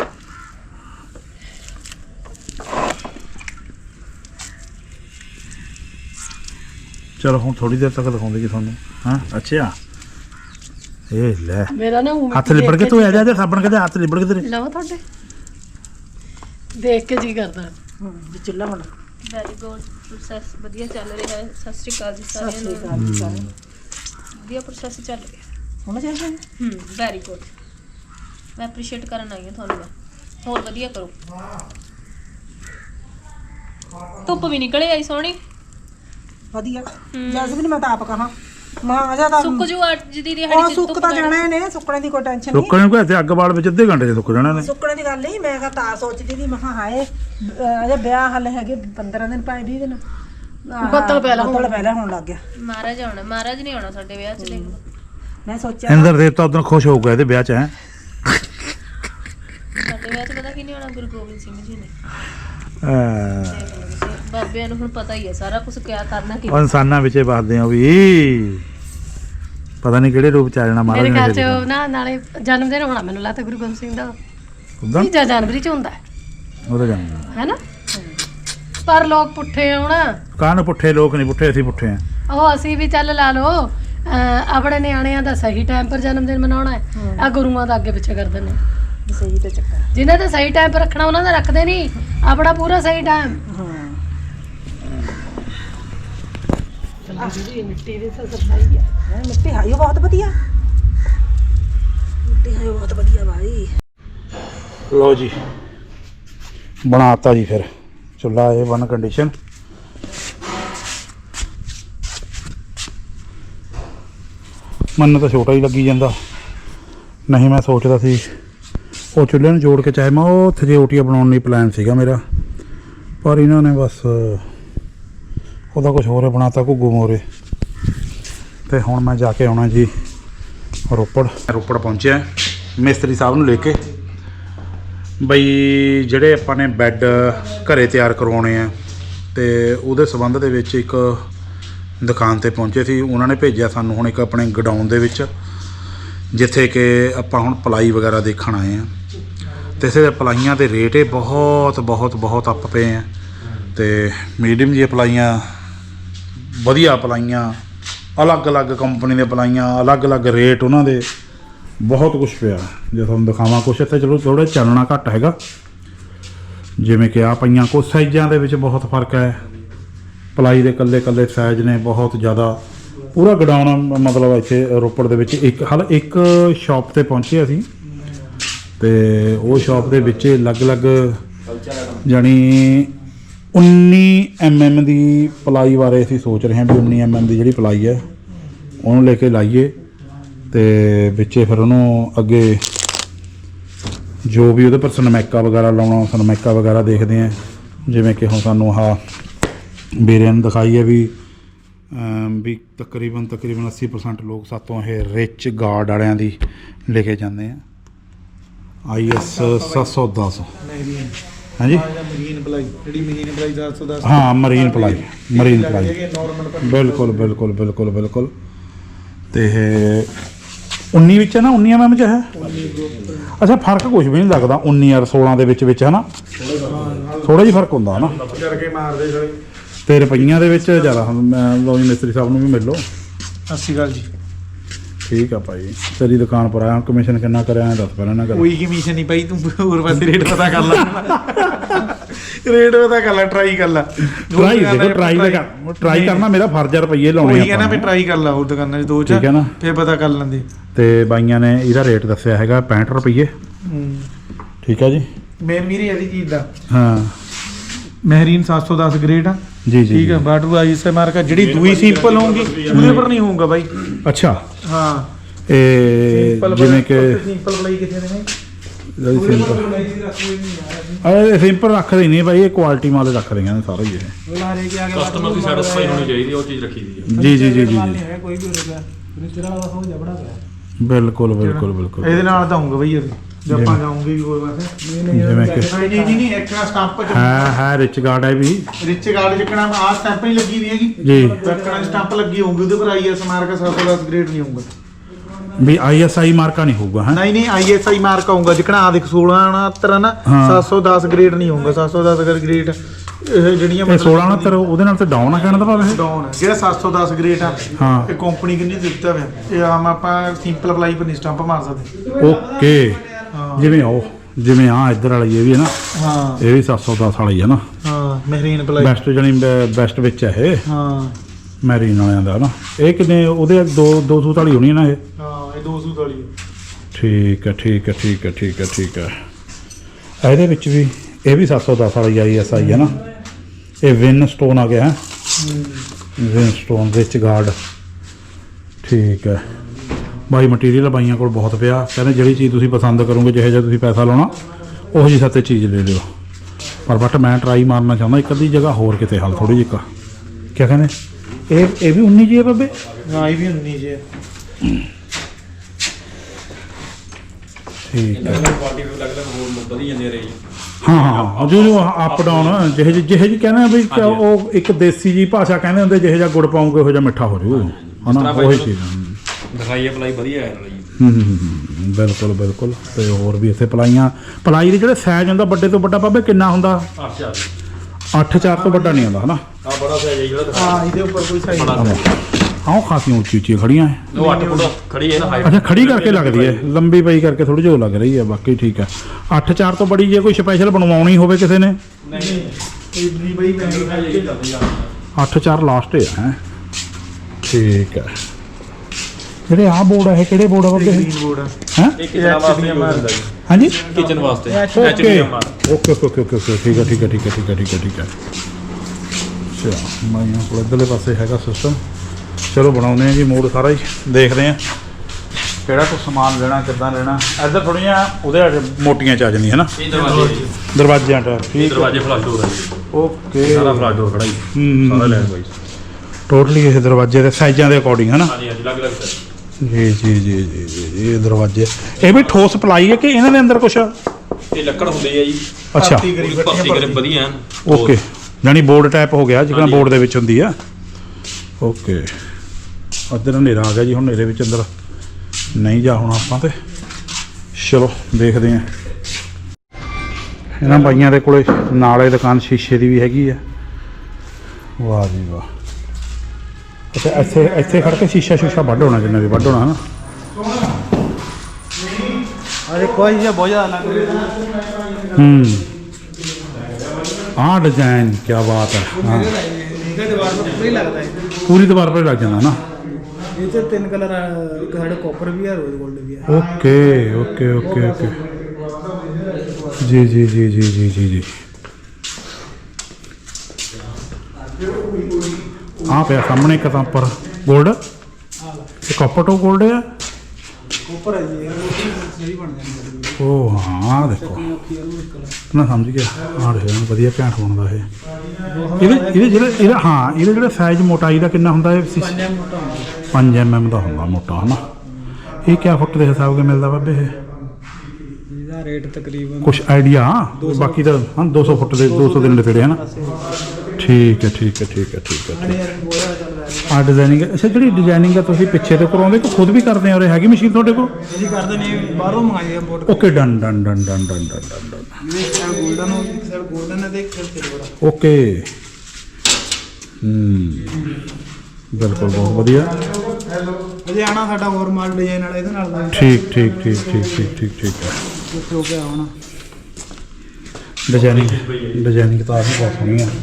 Speaker 2: ਚਲੋ ਹੁਣ ਥੋੜੀ ਦੇਰ ਤੱਕ ਦਿਖਾਉਂਦੇ ਜੀ ਤੁਹਾਨੂੰ ਹਾਂ ਅੱਛਾ ਇਹ ਲੈ
Speaker 1: ਮੇਰਾ ਨਾ ਊਂ
Speaker 2: ਹੱਥ
Speaker 1: ਮਿੱਟੀ
Speaker 2: ਲਿਬੜ ਕੇ
Speaker 1: ਦੇਖ
Speaker 2: ਤੂੰ ਆ ਜਾ ਤੇ ਸਾਬਣ ਕਦੇ ਹੱਥ ਲਿਬੜ ਕੇ ਤੇਰੇ
Speaker 1: ਲਓ ਤੁਹਾਡੇ ਦੇਖ ਕੇ ਜੀ ਕਰਦਾ
Speaker 3: ਹੂੰ ਵੀ ਚੁੱਲ੍ਹਾ ਬਣ
Speaker 5: ਵੈਰੀ ਗੁੱਡ ਪ੍ਰੋਸੈਸ ਵਧੀਆ ਚੱਲ ਰਿਹਾ ਹੈ। ਸਤਿ ਸ਼੍ਰੀ ਅਕਾਲ ਜੀ
Speaker 3: ਸਤਿ
Speaker 5: ਸਾਰਿਆਂ
Speaker 3: ਸ਼੍ਰੀ
Speaker 5: ਨੂੰ
Speaker 3: ਅਕਾਲ ਜੀ ਸਾਰਿਆਂ ਨੂੰ।
Speaker 5: ਵਧੀਆ ਪ੍ਰੋਸੈਸ ਚੱਲ ਰਿਹਾ
Speaker 3: ਹੋਣਾ ਚਾਹੀਦਾ ਹੈ।
Speaker 5: ਹੂੰ ਵੈਰੀ ਗੁੱਡ ਮੈਂ ਅਪਰੀਸ਼ੀਏਟ ਕਰਨ ਆਈ ਹਾਂ ਤੁਹਾਨੂੰ ਮੈਂ ਹੋਰ ਵਧੀਆ ਕਰੋ ਧੁੱਪ ਵੀ ਨਿਕਲੇ ਆਈ ਸੋਹਣੀ
Speaker 3: ਵਧੀਆ ਜੈਸਮੀਨ ਮੈਂ ਤਾਂ ਆਪ ਕਹਾਂ ਮਾਂ ਆ ਜਾ ਤਾਂ
Speaker 5: ਸੁੱਕ ਜੂ ਅੱਜ ਦੀ ਦਿਹਾੜੀ
Speaker 3: ਉਹ
Speaker 5: ਚ
Speaker 3: ਸੁੱਕ
Speaker 5: ਧੁੱਪ
Speaker 3: ਤਾਂ
Speaker 5: ਨਾਲ।
Speaker 3: ਜਾਣਾ ਇਹਨੇ ਸੁੱਕਣੇ ਦੀ ਕੋਈ ਟੈਨਸ਼ਨ ਨਹੀਂ
Speaker 2: ਸੁੱਕਣੇ ਨੂੰ ਕਹਿੰਦੇ ਅੱਗ ਬਾਲ ਵਿੱਚ ਅੱਧੇ ਘੰਟੇ 'ਚ ਸੁੱਕ ਜਾਣਾ ਨੇ
Speaker 3: ਸੁੱਕਣੇ ਦੀ ਗੱਲ ਨਹੀਂ ਮੈਂ ਕਿਹਾ ਤਾਂ ਸੋਚਦੀ ਸੀ ਮੈਂ ਕਿਹਾ ਹਾਏ ਅਹ ਅਜੇ ਵਿਆਹ ਹਾਲੇ ਹੈਗੇ ਪੰਦਰਾਂ ਦਿਨ ਭਾਵੇਂ ਵੀਹ ਦਿਨ ਆਹ,
Speaker 1: ਬੱਦਲ ਪਹਿਲਾਂ ਹੋਣ
Speaker 3: ਬੱਦਲ ਪਹਿਲਾਂ ਹੋਣ ਲੱਗ ਗਿਆ
Speaker 5: ਮਹਾਰਾਜ ਆਉਣਾ ਮਹਾਰਾਜ ਨਹੀਂ ਆਉਣਾ ਸਾਡੇ ਵਿਆਹ ਚ ਦੇਖ ਲਓ
Speaker 3: ਮੈਂ ਸੋਚਿਆ
Speaker 2: ਇੰਦਰ ਦੇਵਤਾ ਉਦੋਂ ਖੁਸ਼ ਹੋਊਗਾ ਇਹਦੇ ਵਿਆਹ 'ਚ ਹੈ
Speaker 5: ਸਾਡੇ ਵਿਆਹ ਚ ਪਤਾ ਕੀ ਨਹੀਂ ਆਉਣਾ ਗੁਰੂ ਗੋਬਿੰਦ ਸਿੰਘ ਜੀ ਨੇ
Speaker 2: ਅਹ,
Speaker 5: ਦੇਖ ਲਓ ਤੁਸੀਂ ਬਾਬਿਆਂ ਨੂੰ ਹੁਣ ਪਤਾ ਹੀ ਹੈ ਸਾਰਾ ਕੁਝ ਕਿਆ ਕਰਨਾ ਕੀ
Speaker 2: ਉਹ ਇਨਸਾਨਾਂ ਵਿੱਚੇ ਵੱਸਦੇ ਆ ਵੀ ਪਤਾ ਨਹੀਂ ਕਿਹੜੇ ਰੂਪ ਚ ਆ ਜਾਣਾ ਮਹਾਰਾਜ
Speaker 1: ਮੇਰੇ
Speaker 2: ਨੇ
Speaker 1: ਘਰ ਚ ਨਾ ਨਾਲੇ ਜਨਮ ਦਿਨ ਹੋਣਾ ਮੈਨੂੰ ਲੱਗਦਾ ਗੁਰੂ ਗੋਬਿੰਦ ਸਿੰਘ ਦਾ
Speaker 2: ਉਦਾਂ
Speaker 1: ਤੀਜਾ ਜਨਵਰੀ ਚ ਹੁੰਦਾ ਹੈ
Speaker 2: ਉਹਦਾ ਜਾਣਾ
Speaker 1: ਹੈਨਾ ਪਰ ਲੋਕ ਪੁੱਠੇ ਆਉਣ
Speaker 2: ਕਾਹਨੂੰ ਪੁੱਠੇ ਲੋਕ ਨਹੀਂ ਪੁੱਠੇ ਅਸੀਂ ਪੁੱਠੇ ਆ
Speaker 1: ਉਹ ਅਸੀਂ ਵੀ ਚੱਲ ਲਾ ਲਓ ਅਹ ਆਪਣੇ ਨਿਆਣਿਆਂ ਦਾ ਸਹੀ ਟਾਈਮ ਪਰ ਜਨਮ ਦਿਨ ਮਨਾਉਣਾ ਹੈ ਆ ਗੁਰੂਆਂ ਦਾ ਅੱਗੇ ਪਿੱਛੇ ਕਰ ਦਿੰਦੇ
Speaker 3: ਸਹੀ ਤੇ ਚੱਕਰ
Speaker 1: ਜਿਨ੍ਹਾਂ ਦਾ ਸਹੀ ਟਾਈਮ ਪਰ ਰੱਖਣਾ ਉਹਨਾਂ ਦਾ ਰੱਖਦੇ ਨਹੀਂ ਆਪਣਾ ਪੂਰਾ ਸਹੀ ਟਾਈਮ
Speaker 3: ਹਾਂ
Speaker 1: ਜੀ ਮਿੱਟੀ ਦੀ ਤਾਂ ਸਫਾਈ ਆ
Speaker 3: ਹੈ ਮਿੱਟੀ ਹਾਈ ਓ ਬਹੁਤ ਵਧੀਆ ਮਿੱਟੀ ਹਾਈ ਓ ਬਹੁਤ ਵਧੀਆ ਭਾਈ
Speaker 2: ਲਓ ਜੀ ਬਣਾਤਾ ਜੀ ਫਿਰ ਚੁੱਲ੍ਹਾ ਇਹ ਵਨ ਕੰਡੀਸ਼ਨ ਮੈਨੂੰ ਤਾਂ ਛੋਟਾ ਹੀ ਲੱਗੀ ਜਾਂਦਾ ਨਹੀਂ ਮੈਂ ਸੋਚਦਾ ਸੀ ਉਹ ਚੁੱਲ੍ਹੇ ਨੂੰ ਜੋੜ ਕੇ ਚਾਹੇ ਮੈਂ ਉਹ ਥਜੋਟੀਆ ਬਣਾਉਣ ਲਈ ਪਲਾਨ ਸੀਗਾ ਮੇਰਾ ਪਰ ਇਹਨਾਂ ਨੇ ਬਸ ਉਹਦਾ ਕੁਝ ਹੋਰ ਬਣਾਤਾ ਘੁੱਗੂ ਮੋਰੇ ਤੇ ਹੁਣ ਮੈਂ ਜਾ ਕੇ ਆਉਣਾ ਜੀ ਰੋਪੜ ਰੋਪੜ ਪਹੁੰਚਿਆ ਮਿਸਤਰੀ ਸਾਹਿਬ ਨੂੰ ਲੈ ਕੇ ਬਈ ਜਿਹੜੇ ਆਪਾਂ ਨੇ ਬੈੱਡ ਘਰੇ ਤਿਆਰ ਕਰਵਾਉਣੇ ਆ ਤੇ ਉਹਦੇ ਸੰਬੰਧ ਦੇ ਵਿੱਚ ਇੱਕ ਦੁਕਾਨ ਤੇ ਪਹੁੰਚੇ ਸੀ ਉਹਨਾਂ ਨੇ ਭੇਜਿਆ ਸਾਨੂੰ ਹੁਣ ਇੱਕ ਆਪਣੇ ਗਡਾਊਨ ਦੇ ਵਿੱਚ ਜਿੱਥੇ ਕਿ ਆਪਾਂ ਹੁਣ ਪਲਾਈ ਵਗੈਰਾ ਦੇਖਣ ਆਏ ਆ ਤੇ ਇਸੇ ਪਲਾਈਆਂ ਦੇ ਰੇਟ ਇਹ ਬਹੁਤ ਬਹੁਤ ਬਹੁਤ ਅੱਪ ਪਏ ਆ ਤੇ ਮੀਡੀਅਮ ਜੀ ਪਲਾਈਆਂ ਵਧੀਆ ਪਲਾਈਆਂ ਅਲੱਗ-ਅਲੱਗ ਕੰਪਨੀ ਦੇ ਪਲਾਈਆਂ ਅਲੱਗ-ਅਲੱਗ ਰੇਟ ਉਹਨਾਂ ਦੇ ਬਹੁਤ ਕੁਝ ਪਿਆ ਜੇ ਤੁਹਾਨੂੰ ਦਿਖਾਵਾਂ ਕੁਛ ਇੱਥੇ ਚਲੋ ਥੋੜਾ ਚੱਲਣਾ ਘੱਟ ਹੈਗਾ ਜਿਵੇਂ ਕਿ ਆ ਪਈਆਂ ਕੁਛ ਸਾਈਜ਼ਾਂ ਦੇ ਵਿੱਚ ਬਹੁਤ ਫਰਕ ਹੈ ਪਲਾਈ ਦੇ ਕੱਲੇ ਕੱਲੇ ਸਾਈਜ਼ ਨੇ ਬਹੁਤ ਜ਼ਿਆਦਾ ਪੂਰਾ ਗਡਾਊਨ ਮਤਲਬ ਇੱਥੇ ਰੋਪੜ ਦੇ ਵਿੱਚ ਇੱਕ ਹਾਲ ਇੱਕ ਸ਼ਾਪ ਤੇ ਪਹੁੰਚੇ ਅਸੀਂ ਤੇ ਉਹ ਸ਼ਾਪ ਦੇ ਵਿੱਚ ਅਲੱਗ-ਅਲੱਗ ਜਾਣੀ ਉੱਨੀ ਐਮ ਐਮ ਦੀ ਪਲਾਈ ਬਾਰੇ ਅਸੀਂ ਸੋਚ ਰਹੇ ਹਾਂ ਵੀ ਉੱਨੀ ਐਮ ਐਮ ਦੀ ਜਿਹੜੀ ਪਲਾਈ ਹੈ ਉਹਨੂੰ ਲੈ ਕੇ ਲਾਈਏ ਤੇ ਵਿੱਚੇ ਫਿਰ ਉਹਨੂੰ ਅੱਗੇ ਜੋ ਵੀ ਉਹਦੇ ਪਰ ਸਨਮੈਕਾ ਵਗੈਰਾ ਲਾਉਣਾ ਸਨਮੈਕਾ ਵਗੈਰਾ ਦੇਖਦੇ ਹਾਂ ਜਿਵੇਂ ਕਿ ਹੁਣ ਸਾਨੂੰ ਆਹ ਵੀਰੇ ਨੂੰ ਦਿਖਾਈ ਹੈ ਵੀ ਵੀ ਤਕਰੀਬਨ ਤਕਰੀਬਨ ਅੱਸੀ ਪਰਸੈਂਟ ਲੋਕ ਸਾਤੋਂ ਇਹ ਰਿਚ ਗਾਰਡ ਵਾਲਿਆਂ ਦੀ ਲੈ ਕੇ ਜਾਂਦੇ ਆ ਆਈ ਐਸ ਸੱਤ ਸੌ ਦਸ ਹਾਂਜੀ
Speaker 6: ਮਰੀਨ ਪਲਾਈ ਜਿਹੜੀ ਮਰੀਨ ਪਲਾਈ ਸੱਤ ਸੌ ਦਸ
Speaker 2: ਹਾਂ ਮਰੀਨ ਪਲਾਈ ਮਰੀਨ ਪਲਾਈ ਬਿਲਕੁਲ ਬਿਲਕੁਲ ਬਿਲਕੁਲ ਬਿਲਕੁਲ ਤੇ ਇਹ ਉੱਨੀ ਵਿੱਚ ਹੈ ਨਾ ਉੱਨੀ ਐਮ ਐਮ ਚ ਹੈ ਅੱਛਾ ਫਰਕ ਕੁਝ ਵੀ ਨਹੀਂ ਲੱਗਦਾ ਉੱਨੀ ਔਰ ਸੋਲਾਂ ਦੇ ਵਿੱਚ ਵਿੱਚ ਹੈ ਨਾ ਥੋੜਾ ਜਿਹਾ ਫਰਕ ਹੁੰਦਾ ਹੈ ਨਾ
Speaker 6: ਕਰਕੇ ਮਾਰਦੇ ਸਾਲੇ
Speaker 2: ਤੇ ਰੁਪਈਆਂ ਦੇ ਵਿੱਚ ਜ਼ਿਆਦਾ ਮੈਂ ਲੋ ਜੀ ਮਿਸਤਰੀ ਸਾਹਿਬ ਨੂੰ ਵੀ ਮਿਲ ਲਓ
Speaker 6: ਸਤਿ ਸ਼੍ਰੀ ਅਕਾਲ ਜੀ
Speaker 2: ਠੀਕ ਆ ਭਾਈ ਤੇਰੀ ਦੁਕਾਨ ਪਰ ਆਇਆ ਕਮਿਸ਼ਨ ਕਿੰਨਾ ਕਰਿਆ ਦੱਸ ਪਹਿਲਾਂ ਨਾ ਕਰ
Speaker 6: ਕੋਈ ਕਮਿਸ਼ਨ ਨਹੀਂ ਭਾਈ ਤੂੰ ਹੋਰ ਪਾਸੇ ਰੇਟ ਪਤਾ ਕਰ ਲੈ ਰੇਟ ਪਤਾ ਕਰ ਲੈ ਟਰਾਈ ਕਰ ਲੈ
Speaker 2: ਟਰਾਈ ਦੇਖੋ ਟਰਾਈ ਦਾ ਕਰ ਟਰਾਈ ਕਰਨਾ ਮੇਰਾ ਫਰਜ਼ ਆ ਰੁਪਈਏ ਲਾਉਣੇ
Speaker 6: ਕੋਈ ਕਹਿੰਦਾ ਵੀ ਟਰਾਈ ਕਰ ਲਾ ਹੋਰ ਦੁਕਾਨਾਂ 'ਚ ਦੋ ਚ
Speaker 2: ਠੀਕ ਹੈ ਨਾ
Speaker 6: ਫੇਰ ਪਤਾ ਕਰ ਲੈਂਦੇ
Speaker 2: ਤੇ ਬਾਈਆਂ ਨੇ ਇਹਦਾ ਰੇਟ ਦੱਸਿਆ ਹੈਗਾ ਪੈਂਹਠ ਰੁਪਈਏ ਠੀਕ ਆ ਜੀ
Speaker 6: ਮੈਂ ਮੇਰੀ ਇਹਦੀ ਚੀਜ਼ ਦਾ
Speaker 2: ਹਾਂ
Speaker 6: ਮਹਿਰੀਨ ਸੱਤ ਸੌ ਦਸ ਗ੍ਰੇਡ ਆ
Speaker 2: ਜੀ ਜੀ
Speaker 6: ਠੀਕ ਹੈ ਬਾਟੂ ਆਈ ਐਸ ਮਾਰਕਾ ਜਿਹੜੀ ਦੂਈ ਸਿੰਪਲ ਹੋਊਗੀ ਉਹਦੇ ਪਰ ਨਹੀਂ ਹੋਊਗਾ ਬਾਈ
Speaker 2: ਅੱਛਾ
Speaker 6: ਹਾਂ
Speaker 2: ਇਹ ਜਿਵੇਂ ਕਿ
Speaker 6: ਸਿੰਪਲ ਪਲਾਈ ਕਿੱਥੇ ਨੇ
Speaker 2: ਅਰੇ ਸਿੰਪਲ ਰੱਖਦੇ ਨਹੀਂ ਭਾਈ ਇਹ ਕੁਆਲਿਟੀ ਮਾਲ ਰੱਖਦੇ ਨੇ ਸਾਰੇ ਹੀ ਇਹ
Speaker 7: ਕਸਟਮਰ ਦੀ ਸੈਟੀਸਫਾਈ ਹੋਣੀ ਚਾਹੀਦੀ ਉਹ ਚੀਜ਼ ਰੱਖੀ ਦੀ ਹੈ
Speaker 2: ਜੀ ਜੀ ਜੀ ਜੀ
Speaker 6: ਕੋਈ ਵੀ ਰੁਪਿਆ ਰਿਸ਼ਤੇਦਾਰ ਵਾਲਾ ਹੋ ਜਾ ਬੜਾ ਪਿਆ
Speaker 2: ਬਿਲਕੁਲ ਬਿਲਕੁਲ ਬਿਲਕੁਲ
Speaker 6: ਇਹਦੇ ਨਾਲ ਤਾਂ ਹੋਊਗਾ ਬਈ ਜੇ ਆਪਾਂ ਜਾਉਂਗੇ ਵੀ ਹੋਰ ਪਾਸੇ
Speaker 2: ਜਿਵੇਂ ਕਿ
Speaker 6: ਨਹੀਂ ਨਹੀਂ ਨਹੀਂ ਇੱਕ ਸਟੰਪ
Speaker 2: ਹੈ ਹੈ ਰਿਚ ਗਾਰਡ ਹੈ ਵੀ
Speaker 6: ਰਿਚ ਗਾਰਡ ਚੱਕਣਾ ਆ ਸਟੈਂਪ ਨਹੀਂ ਲੱਗੀ ਵੀ ਹੈਗੀ
Speaker 2: ਜੀ
Speaker 6: ਚੱਕਣਾ ਸਟੰਪ ਲੱਗੀ ਹੋਊਗੀ ਉਹਦੇ ਪਰ ਆਈ ਐਸ ਮਾਰਕਾ ਸੱਤ ਸੌ ਦਸ ਗ੍ਰੇਡ ਨਹੀਂ ਹੋਊਗਾ
Speaker 2: ਵੀ ਆਈ ਐਸ ਆਈ ਮਾਰਕਾ ਨਹੀਂ ਹੋਊਗਾ ਹੈ
Speaker 6: ਨਹੀਂ ਨਹੀਂ ਆਈ ਐਸ ਆਈ ਮਾਰਕਾ ਹੋਊਗਾ ਜਿਕਣਾ ਆ ਦੇਖ ਸੋਲਾਂ ਉਣਹੱਤਰ ਨਾ ਸੱਤ ਸੌ ਦਸ ਗ੍ਰੇਡ ਨਹੀਂ ਹੋਊਗਾ ਸੱਤ ਸੌ ਦਸ ਗ੍ਰੇਡ ਇਹ ਜਿਹੜੀਆਂ
Speaker 2: ਇਹ ਸੋਲਾਂ ਉਣਹੱਤਰ ਉਹਦੇ ਨਾਲ ਤਾਂ ਡਾਊਨ ਆ ਕਹਿਣ ਦਾ ਭਾਵ ਇਹ
Speaker 6: ਡਾਊਨ ਹੈ ਜਿਹੜਾ ਸੱਤ ਸੌ ਦਸ ਗ੍ਰੇਡ ਆ
Speaker 2: ਹਾਂ
Speaker 6: ਇਹ ਕੰਪਨੀ ਕਿੰਨੀ ਦਿੱਤਾ ਹੋਇਆ ਇਹ ਆਮ ਆਪਾਂ ਸਿੰਪਲ ਅਪਲਾਈ ਪਰ ਨਹੀਂ ਸਟੰਪ ਮਾਰ ਸਕਦੇ
Speaker 2: ਓਕੇ ਜਿਵੇਂ ਉਹ ਜਿਵੇਂ ਆ ਇੱਧਰ ਵਾਲੀ ਇਹ ਵੀ ਹੈ ਨਾ
Speaker 6: ਹਾਂ
Speaker 2: ਇਹ ਵੀ ਸੱਤ ਸੌ ਦਸ ਵਾਲੀ ਹੈ ਨਾ
Speaker 6: ਹਾਂ ਮਹਿਰੀਨ ਅਪਲਾਈ
Speaker 2: ਬੈਸਟ ਜਾਨੀ ਬੈਸਟ ਵਿੱਚ ਹੈ ਇਹ
Speaker 6: ਹਾਂ
Speaker 2: ਮੈਰੀਨ ਵਾਲਿਆਂ ਦਾ ਨਾ ਇਹ ਕਿੰਨੇ ਉਹਦੇ ਦੋ ਦੋ ਸੌ ਵਾਲੀ ਹੋਣੀ ਹੈ ਨਾ ਇਹ
Speaker 6: ਹਾਂ ਇਹ ਦੋ ਸੌ ਵਾਲੀ
Speaker 2: ਠੀਕ ਹੈ ਠੀਕ ਹੈ ਠੀਕ ਹੈ ਠੀਕ ਹੈ ਠੀਕ ਹੈ ਇਹਦੇ ਵਿੱਚ ਵੀ ਇਹ ਵੀ ਸੱਤ ਸੌ ਦਸ ਵਾਲੀ ਆਈ ਐਸ ਆਈ ਹੈ ਨਾ ਇਹ ਵਿਨ ਸਟੋਨ ਆ ਗਿਆ ਹੈ ਵਿਨ ਸਟੋਨ ਰਿਚ ਗਾਰਡ ਠੀਕ ਹੈ ਬਾਈ ਮਟੀਰੀਅਲ ਬਾਈਆਂ ਕੋਲ ਬਹੁਤ ਪਿਆ ਕਹਿੰਦੇ ਜਿਹੜੀ ਚੀਜ਼ ਤੁਸੀਂ ਪਸੰਦ ਕਰੋਗੇ ਜਿਹੇ ਜਿਹਾ ਤੁਸੀਂ ਪੈਸਾ ਲਾਉਣਾ ਉਹੋ ਜਿਹੀ ਸਾਤੇ ਚੀਜ਼ ਲੈ ਲਿਓ ਪਰ ਬਟ ਮੈਂ ਟਰਾਈ ਮਾਰਨਾ ਚਾਹੁੰਦਾ ਇੱਕ ਅੱਧੀ ਜਗ੍ਹਾ ਹੋਰ ਕਿਤੇ ਹਾਲ ਥੋੜੀ ਜਿਹੀ ਕੀ ਕਹਿੰਦੇ ਇਹ ਇਹ ਵੀ ਉੱਨੀ ਜੀ ਹੈ ਬਾਬੇ
Speaker 6: ਹਾਂ ਇਹ ਵੀ ਉੱਨੀ ਜੀ
Speaker 2: ਠੀਕ ਹੈ
Speaker 7: ਕੁਆਲਿਟੀ ਵੀ ਅਲੱਗ ਅਲੱਗ ਹੋਰ ਵਧੀ ਜਾਂਦੇ ਰਹੇ
Speaker 2: ਹਾਂ ਹਾਂ ਹਾਂ ਜੋ ਅਪ ਡਾਊਨ ਜਿਹੇ ਜਿਹੇ ਜਿਹੇ ਜੀ ਕਹਿੰਦੇ ਬਈ ਉਹ ਇੱਕ ਦੇਸੀ ਜੀ ਭਾਸ਼ਾ ਕਹਿੰਦੇ ਹੁੰਦੇ ਜਿਹੇ ਜਿਹਾ ਗੁੜ ਪਾਉਂਗੇ ਉਹੋ ਜਿਹਾ ਮਿੱਠਾ ਹੋ ਜੂ ਹਨਾ ਉਹੀ ਚੀਜ਼
Speaker 7: ਦਿਖਾਈ ਅਪਲਾਈ ਵਧੀਆ ਹੈ ਨਾਲ ਜੀ
Speaker 2: ਹੂੰ ਹੂੰ ਬਿਲਕੁਲ ਬਿਲਕੁਲ ਤੇ ਹੋਰ ਵੀ ਇੱਥੇ ਪਲਾਈਆਂ ਪਲਾਈ ਦੇ ਜਿਹੜੇ ਸਾਈਜ਼ ਹੁੰਦਾ ਵੱਡੇ ਤੋਂ ਵੱਡਾ ਪਾਵੇ ਕਿੰਨਾ ਹੁੰਦਾ
Speaker 7: ਅੱਛਾ
Speaker 2: ਅੱਠ ਚਾਰ ਤੋਂ ਵੱਡਾ ਨਹੀਂ ਹੁੰਦਾ ਹਨਾ
Speaker 7: ਆ ਬੜਾ ਸਾਈਜ਼ ਹੈ ਜਿਹੜਾ
Speaker 6: ਹਾਂ ਇਹਦੇ ਉੱਪਰ ਕੋਈ ਸਾਈਜ਼
Speaker 7: ਬੜਾ ਸਾਈਜ਼
Speaker 2: ਆਹ ਖਾਸੀਆਂ ਉੱਚੀ ਉੱਚੀਆਂ ਖੜੀਆਂ ਹੈ
Speaker 7: ਉਹ ਅੱਠ ਫੁੱਟ ਖੜੀ ਹੈ ਨਾ ਹਾਈਟ
Speaker 2: ਅੱਛਾ ਖੜੀ ਕਰਕੇ ਲੱਗਦੀ ਹੈ ਲੰਬੀ ਪਈ ਕਰਕੇ ਥੋੜੀ ਜਿਹੀ ਲੱਗ ਰਹੀ ਹੈ ਬਾਕੀ ਠੀਕ ਹੈ ਅੱਠ ਚਾਰ ਤੋਂ ਬੜੀ ਜੇ ਕੋਈ ਸਪੈਸ਼ਲ ਬਣਵਾਉਣੀ ਹੋਵੇ ਕਿਸੇ ਨੇ
Speaker 6: ਨਹੀਂ ਇਹ ਬਈ ਮੈਂ
Speaker 2: ਅੱਠ ਚਾਰ ਲਾਸਟ ਹੈ ਠੀਕ ਹੈ। ਜਿਹੜੇ ਆਹ ਬੋਰਡ ਹੈ ਇਹ ਕਿਹੜੇ ਬੋਰਡ ਆ ਬਾਬੇ?
Speaker 6: ਗ੍ਰੀਨ ਬੋਰਡ
Speaker 2: ਹੈ
Speaker 7: ਇਹ ਕਿਚਨ ਵਾਸਤੇ use ਹੁੰਦਾ ਜੀ,
Speaker 2: ਹਾਂਜੀ
Speaker 7: ਕਿਚਨ ਵਾਸਤੇ
Speaker 2: okay
Speaker 7: H D M R.
Speaker 2: Okay okay okay okay okay ਠੀਕ ਹੈ ਠੀਕ ਹੈ ਠੀਕ ਹੈ ਠੀਕ ਹੈ ਠੀਕ ਹੈ ਠੀਕ ਹੈ। ਅੱਛਾ ਮਾਈਆਂ ਕੋਲ ਇੱਧਰਲੇ ਪਾਸੇ ਹੈਗਾ ਸਿਸਟਮ। ਚਲੋ ਬਣਾਉਂਦੇ ਆ ਜੀ ਮੋਡ ਸਾਰਾ ਹੀ, ਦੇਖਦੇ ਆ ਕਿਹੜਾ ਕੁਛ ਸਮਾਨ ਲੈਣਾ ਕਿੱਦਾਂ ਲੈਣਾ। ਇੱਧਰ ਥੋੜ੍ਹੀਆਂ ਉਹਦੇ ਮੋਟੀਆਂ ਚ ਆ ਜਾਂਦੀਆਂ ਹੈ ਨਾ
Speaker 7: ਇਹ ਦਰਵਾਜ਼ੇ ਜੀ,
Speaker 2: ਦਰਵਾਜ਼ਿਆਂ ਦਾ।
Speaker 7: ਇਹ
Speaker 2: ਠੀਕ ਹੈ
Speaker 7: ਦਰਵਾਜ਼ੇ ਫਲਸ਼ ਡੋਰ ਹੈ ਜੀ,
Speaker 2: ਓਕੇ
Speaker 7: ਸਾਰਾ ਫਲਸ਼ ਡੋਰ ਖੜਾ ਜੀ,
Speaker 2: ਹੂੰ
Speaker 7: ਸਾਰਾ ਲੈਣ ਬਾਈ।
Speaker 2: ਟੋਟਲੀ ਇਹ ਦਰਵਾਜ਼ੇ ਦੇ ਸਾਈਜ਼ਾਂ ਦੇ ਅਕੋਰਡਿੰਗ ਹੈ ਨਾ।
Speaker 7: ਹਾਂਜੀ ਹਾਂਜੀ ਅਲੱਗ ਅਲੱਗ ਸਰ।
Speaker 2: ਜੀ ਜੀ ਜੀ ਜੀ ਜੀ ਇਹ ਦਰਵਾਜ਼ੇ ਇਹ ਵੀ ਠੋਸ ਪਲਾਈ ਹੈ ਕਿ ਇਹਨਾਂ ਦੇ ਅੰਦਰ ਕੁਛ?
Speaker 7: ਇਹ ਲੱਕੜ ਹੁੰਦੀ ਹੈ ਜੀ,
Speaker 2: ਅੱਛਾ
Speaker 7: ਪੂਰੀ ਭਰਤੀ ਕਰੇ ਵਧੀਆ ਐਨ।
Speaker 2: ਓਕੇ ਯਾਨੀ ਬੋਰਡ ਟਾਈਪ ਹੋ ਗਿਆ ਜਿਵੇਂ
Speaker 7: ਹਾਂਜੀ।
Speaker 2: ਬੋਰਡ ਦੇ ਵਿੱਚ ਹੁੰਦੀ ਆ। ਓਕੇ ਇੱਧਰ ਹਨੇਰਾ ਆ ਗਿਆ ਜੀ, ਹੁਣ ਹਨੇਰੇ ਵਿੱਚ ਅੰਦਰ ਨਹੀਂ ਜਾ ਹੋਣਾ ਆਪਾਂ ਤੇ। ਚਲੋ ਦੇਖਦੇ ਹਾਂ। ਇਹਨਾਂ ਬਾਈਆਂ ਦੇ ਕੋਲੇ ਨਾਲੇ ਦੁਕਾਨ ਸ਼ੀਸ਼ੇ ਦੀ ਵੀ ਹੈਗੀ ਆ। ਵਾਹ ਜੀ ਵਾਹ। ਅੱਛਾ ਇੱਥੇ ਇੱਥੇ ਖੜ ਕੇ ਸ਼ੀਸ਼ਾ ਸ਼ੂਸ਼ਾ ਵੱਢ ਹੋਣਾ, ਜਿੰਨਾ ਵੀ ਵੱਢ ਹੋਣਾ ਹੈ ਨਾ।
Speaker 6: ਅਰੇ ਕੋਈ ਜਿਹਾ ਬਹੁਤ ਜ਼ਿਆਦਾ ਲੱਗ ਰਿਹਾ।
Speaker 2: ਹੂੰ ਆਹ डिजाइन क्या बात है। हाँ
Speaker 6: ਦੀਵਾਰ ਪਰ ਪੂਰੀ ਲੱਗਦਾ ਹੈ।
Speaker 2: पूरी दीवार पर लग जाना ना।
Speaker 6: ਇਹ ਤੇ ਤਿੰਨ ਕਲਰ ਇੱਕ ਸਾਡੇ ਕਾਪਰ ਵੀ ਹੈ, ਰੋਜ਼ 골ਡ ਵੀ ਹੈ।
Speaker 2: ओके ओके ओके ओके जी जी जी जी जी जी जी हाँ पे सामने एक तो पर गोल्ड कॉपर टू गोल्ड है।
Speaker 6: ਕਾਪਰ ਹੈ ਜੀ, ਇਹ ਸਹੀ ਬਣ ਜਾਂਦੀ ਹੈ।
Speaker 2: ओ हाँ देखो ना समझ गया। हाँ देखो वधिया घैंट बनदा है। ਇਹਦੇ ਇਹਦੇ ਜਿਹੜੇ ਇਹਦਾ ਹਾਂ ਇਹਦੇ ਜਿਹੜੇ ਸਾਈਜ਼ ਮੋਟਾਈ ਦਾ ਕਿੰਨਾ ਹੁੰਦਾ ਹੈ? ਪੰਜ ਐਮ ਐਮ ਦਾ ਹੁੰਦਾ ਮੋਟਾ ਹੈ ਨਾ। ਇਹ ਕਿਆ ਫੁੱਟ ਦੇ ਹਿਸਾਬ ਕੇ ਮਿਲਦਾ ਬਾਬੇ ਇਹ?
Speaker 6: ਇਹਦਾ ਰੇਟ ਤਕਰੀਬਨ
Speaker 2: ਕੁਛ ਆਈਡੀਆ? ਬਾਕੀ ਤਾਂ ਹਾਂ ਦੋ ਸੌ ਫੁੱਟ ਦੇ ਦੋ ਸੌ ਦੇ ਨੇੜੇ ਹੈ ਨਾ। ਠੀਕ ਹੈ ਠੀਕ ਹੈ ਠੀਕ ਹੈ ਠੀਕ ਹੈ ਠੀਕ। ਆ ਡਿਜ਼ਾਈਨਿੰਗ ਅੱਛਾ ਜਿਹੜੀ ਡਿਜ਼ਾਈਨਿੰਗ ਆ ਤੁਸੀਂ ਪਿੱਛੇ ਤੇ ਕਰਾਉਂਦੇ ਕਿ ਖੁਦ ਵੀ ਕਰਦੇ ਆ? ਉਰੇ ਹੈਗੀ ਮਸ਼ੀਨ ਤੁਹਾਡੇ ਕੋਲ?
Speaker 6: ਅਸੀਂ ਕਰਦੇ ਨਹੀਂ, ਬਾਹਰੋਂ ਮੰਗਾਈ ਹੈ import.
Speaker 2: Okay done done done done done done done done
Speaker 6: ਇਹ ਸਾਈਡ 골ਡਨ ਹੋ, ਇੱਕ ਸਾਈਡ 골ਡਨ ਹੈ ਤੇ ਇੱਕ ਸਾਈਡ ਸਿਲਵਰ।
Speaker 2: ਓਕੇ ਹੂੰ ਬਿਲਕੁਲ ਬਹੁਤ ਵਧੀਆ।
Speaker 6: ਅਜੇ ਆਣਾ ਸਾਡਾ ਹੋਰ ਮਾਲ ਡਿਜ਼ਾਈਨ ਵਾਲਾ ਇਹਦੇ ਨਾਲ ਦਾ।
Speaker 2: ਠੀਕ ਠੀਕ ਠੀਕ ਠੀਕ ਠੀਕ ਠੀਕ ਠੀਕ ਹੈ।
Speaker 6: ਉੱਥੇ ਹੋ ਕੇ ਆਉਣਾ।
Speaker 2: ਡਿਜ਼ਾਈਨਿੰਗ ਡਿਜ਼ਾਈਨਿੰਗ ਤਾਂ ਵੀ ਬਹੁਤ ਸੋਹਣੀ ਆ।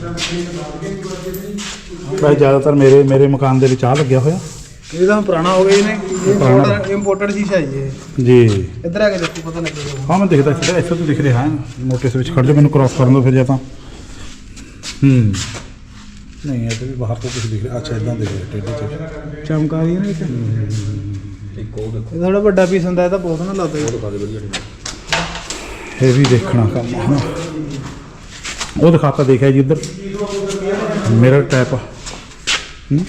Speaker 2: ਵੈਸੇ ਜ਼ਿਆਦਾਤਰ ਮੇਰੇ ਮੇਰੇ ਮਕਾਨ ਦੇ ਵਿੱਚ ਆ ਲੱਗਿਆ ਹੋਇਆ।
Speaker 6: ਇਹ ਤਾਂ ਪੁਰਾਣਾ ਹੋ ਗਿਆ ਇਹਨੇ।
Speaker 2: ਪੁਰਾਣਾ।
Speaker 6: ਇਹ ਇੰਪੋਰਟਡ ਸ਼ੀਸ਼ਾ ਜੀ ਇਹ।
Speaker 2: ਜੀ
Speaker 6: ਇੱਧਰ ਆ ਕੇ ਦੇਖੋ ਪਤਾ ਲੱਗੇਗਾ।
Speaker 2: ਹਾਂ ਮੈਂ ਦੇਖਦਾ ਇੱਥੇ ਇੱਥੇ ਤੋਂ ਦਿਖ ਰਿਹਾ ਹੈ ਮੋਟੇ ਸੇ ਵਿੱਚ ਖੜ ਜਾ, ਮੈਨੂੰ ਕ੍ਰਾਸ ਕਰਨ ਦੋ ਫਿਰ ਜਾਂ ਤਾਂ। ਹੂੰ ਨਹੀਂ ਇੱਥੇ ਵੀ ਬਾਹਰ ਤੋਂ ਕੁਝ ਦਿਖ ਰਿਹਾ। ਅੱਛਾ ਇਦਾਂ ਦਿਖ ਰਿਹਾ ਟੇਢੇ ਚ
Speaker 6: ਚਮਕਾ ਰਹੀ ਹੈ ਨਾ ਇੱਥੇ।
Speaker 7: ਇੱਕ ਉਹ ਦੇਖੋ,
Speaker 6: ਇਹ ਥੋੜਾ ਵੱਡਾ ਪੀਸ ਹੁੰਦਾ, ਇਹ ਤਾਂ ਬਹੁਤ ਨਾ ਲੱਗਦਾ ਜੀ।
Speaker 7: ਉਹ ਦਿਖਾ ਦੇ ਵਧੀਆ ਨਹੀਂ।
Speaker 2: ਇਹ ਵੀ ਦੇਖਣਾ ਕੰਮ ਹੈ ਨਾ। ਉਹ ਦਿਖਾਤਾ ਦੇਖਿਆ ਜੀ ਉੱਧਰ ਮਿਰਰ ਟਾਈਪ। ਹੂੰ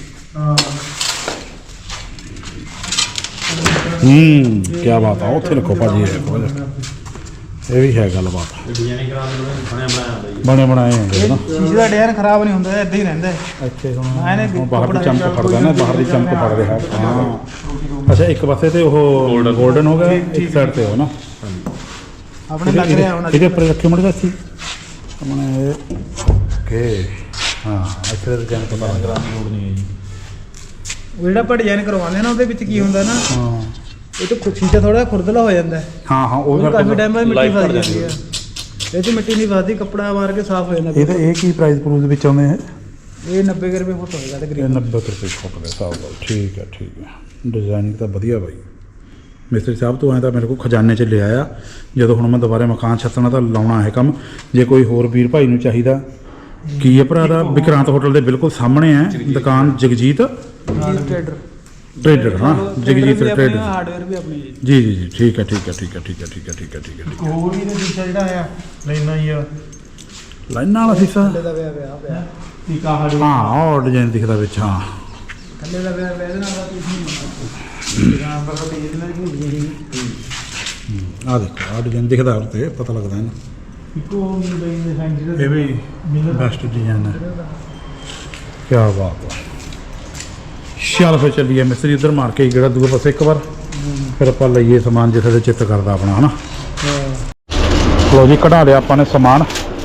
Speaker 2: ਹੂੰ ਕੀ ਬਾਤ ਆ। ਉੱਥੇ ਰੱਖੋ ਭਾਜੀ ਇਹ ਦੇਖੋ ਇਹ ਵੀ ਹੈ ਗੱਲਬਾਤ।
Speaker 7: ਡਿਜ਼ਾਈਨਿੰਗ ਕਰਾ ਦੇ ਬਣਿਆ ਬਣਾਇਆ ਹੁੰਦਾ ਜੀ।
Speaker 2: ਬਣੇ ਬਣਾਏ ਹੁੰਦੇ ਨਾ।
Speaker 6: ਸ਼ੀਸ਼ੇ ਦਾ ਡਿਜ਼ਾਈਨ ਖਰਾਬ ਨਹੀਂ ਹੁੰਦਾ, ਇੱਦਾਂ ਹੀ ਰਹਿੰਦਾ ਹੈ।
Speaker 2: ਇੱਥੇ ਹੁਣ
Speaker 6: ਇਹਨੇ
Speaker 2: ਹੁਣ ਬਾਹਰ ਦੀ ਚਮਕ ਫੜਦਾ ਨਾ, ਬਾਹਰ ਦੀ ਚਮਕ ਫੜ ਰਿਹਾ। ਹਾਂ ਅੱਛਾ ਇੱਕ ਪਾਸੇ ਤੇ ਉਹ 골ਡਨ ਹੋ ਗਿਆ, ਇੱਕ ਸਾਈਡ ਤੇ ਉਹ ਨਾ
Speaker 6: ਆਪਣੇ ਲੱਗ ਰਿਹਾ ਹੁਣ।
Speaker 2: ਇਹਦੇ ਉੱਪਰ ਰੱਖੇ ਮੜ ਸੀ ਆਪਣੇ। ਓਕੇ ਹਾਂ ਇੱਥੇ ਦਾ ਡਿਜ਼ਾਈਨ ਪਤਾ ਲੱਗ ਰਿਹਾ।
Speaker 7: ਲੋੜ ਨਹੀਂ ਹੈ ਜੀ।
Speaker 6: ਉਹ ਜਿਹੜਾ ਆਪਾਂ ਡਿਜ਼ਾਈਨ ਕਰਵਾਉਂਦੇ ਆ ਨਾ, ਉਹਦੇ ਵਿੱਚ ਕੀ ਹੁੰਦਾ ਨਾ,
Speaker 2: ਹਾਂ
Speaker 6: ਇਹ ਤਾਂ ਕੁਛ ਸ਼ੀਸ਼ਾ ਥੋੜਾ ਖੁਰਦਲਾ ਹੋ ਜਾਂਦਾ ਹੈ।
Speaker 2: ਹਾਂ ਹਾਂ ਉਹ
Speaker 6: ਉਹ ਕਾਫੀ
Speaker 2: ਕਰਕੇ
Speaker 6: ਟਾਈਮ ਬਾਅਦ ਮਿੱਟੀ
Speaker 7: Life
Speaker 6: ਫਸ
Speaker 7: ਭਰ
Speaker 6: ਜਾਂਦੀ ਹੈ। ਇਹ 'ਚ ਮਿੱਟੀ ਨਹੀਂ ਫਸਦੀ, ਕੱਪੜਾ ਮਾਰ ਕੇ ਸਾਫ਼ ਹੋ ਜਾਂਦਾ।
Speaker 2: ਇਹ ਤਾਂ ਇਹ ਕੀ ਪ੍ਰਾਈਸ ਪ੍ਰੂਸ ਦੇ ਵਿੱਚ ਆਉਂਦੇ ਹੈ?
Speaker 6: ਇਹ ਨੱਬੇ ਕੁ ਰੁਪਏ ਫੁੱਟ ਹੋਏਗਾ
Speaker 2: ਇਹ
Speaker 6: ਤਕਰੀਬਨ।
Speaker 2: ਨੱਬੇ ਕੁ ਰੁਪਏ ਫੁੱਟ ਦੇ ਹਿਸਾਬ ਨਾਲ। ਠੀਕ ਹੈ ਠੀਕ ਹੈ। ਡਿਜ਼ਾਈਨਿੰਗ ਤਾਂ ਵਧੀਆ ਬਾਈ। ਮਿਸਤਰੀ ਸਾਹਿਬ ਤੋਂ ਐਂ ਤਾਂ ਮੇਰੇ ਕੋਲ ਖਜ਼ਾਨੇ 'ਚ ਲਿਆ ਆ। ਜਦੋਂ ਹੁਣ ਮੈਂ ਦੁਬਾਰਾ ਮਕਾਨ ਛੱਤਣਾ ਤਾਂ ਲਾਉਣਾ ਹੈ ਕੰਮ। ਜੇ ਕੋਈ ਹੋਰ ਵੀਰ ਭਾਈ ਨੂੰ ਚਾਹੀਦਾ, ਕੀ ਹੈ ਭਰਾ ਦਾ? ਵਿਕਰਾਂਤ ਹੋਟਲ ਦੇ ਬਿਲਕੁਲ ਸਾਹਮਣੇ ਹੈ ਦੁਕਾਨ ਜਗਜੀਤ
Speaker 6: ਟ੍ਰੇਡਰ
Speaker 2: ਟ੍ਰੇਡਰ। ਹਾਂ ਜਗਜੀਤ ਟ੍ਰੇਡਰ।
Speaker 6: ਹਾਰਡਵੇਅਰ ਵੀ ਆਪਣੀ ਜੀ।
Speaker 2: ਜੀ ਜੀ ਜੀ ਠੀਕ ਹੈ ਠੀਕ ਹੈ ਠੀਕ ਹੈ ਠੀਕ ਹੈ ਠੀਕ ਹੈ ਠੀਕ ਹੈ ਠੀਕ ਹੈ ਠੀਕ ਹੈ।
Speaker 6: ਹੋਰ ਵੀ ਇਹਦਾ ਸ਼ੀਸ਼ਾ ਜਿਹੜਾ ਆ ਲੈਣਾ ਹੀ ਆ,
Speaker 2: ਲਾਈਨਾਂ ਵਾਲਾ ਸੀਸਾ।
Speaker 6: ਥੱਲੇ ਦਾ ਵਿਆਹ ਵਿਆਹ ਪਿਆ ਠੀਕ ਆ। ਹਾਰਡ
Speaker 2: ਹਾਂ ਉਹ ਡਿਜ਼ਾਈਨ ਦਿਖਦਾ ਵਿੱਚ। ਹਾਂ
Speaker 6: ਥੱਲੇ ਦਾ ਵਿਆਹ ਵਿਆਹ ਇਹਦੇ ਨਾਲ ਦਾ ਕੁਝ ਨਹੀਂ ਹੁੰਦਾ। ਦੁਕਾਨ ਪਰ ਤਾਂ ਪੇਜ ਨਾਲ ਹੀ ਹੁੰਦੀ ਹੈ।
Speaker 2: ਆਹ ਦੇਖੋ ਆਹ ਡਿਜ਼ਾਈਨ ਦਿਖਦਾ ਉੱਤੇ, ਪਤਾ ਲੱਗਦਾ ਹੈ ਨਾ।
Speaker 6: ਇੱਕੋ ਡਿਜ਼ਾਈਨ ਦੇ ਫੈਨ ਜਿਹੜਾ
Speaker 2: ਇਹ ਵੀ ਬੈਸਟ ਡਿਜ਼ਾਈਨ ਹੈ। ਕੀ ਬਾਤ ਹੈ। ਚੱਲ ਫਿਰ ਚੱਲੀਏ ਮਿਸਤਰੀ ਉੱਧਰ ਮਾਰ ਕੇ ਜਿਹੜਾ ਦੂਏ ਪਾਸੇ ਇੱਕ ਵਾਰ, ਫਿਰ ਆਪਾਂ ਲਈਏ ਸਮਾਨ ਜਿੱਥੇ ਦੇ ਚਿੱਤ ਕਰਦਾ ਆਪਣਾ ਹਨਾ। ਲੋ ਜੀ ਕਢਾ ਲਿਆ ਆਪਾਂ ਨੇ ਸਮਾਨ।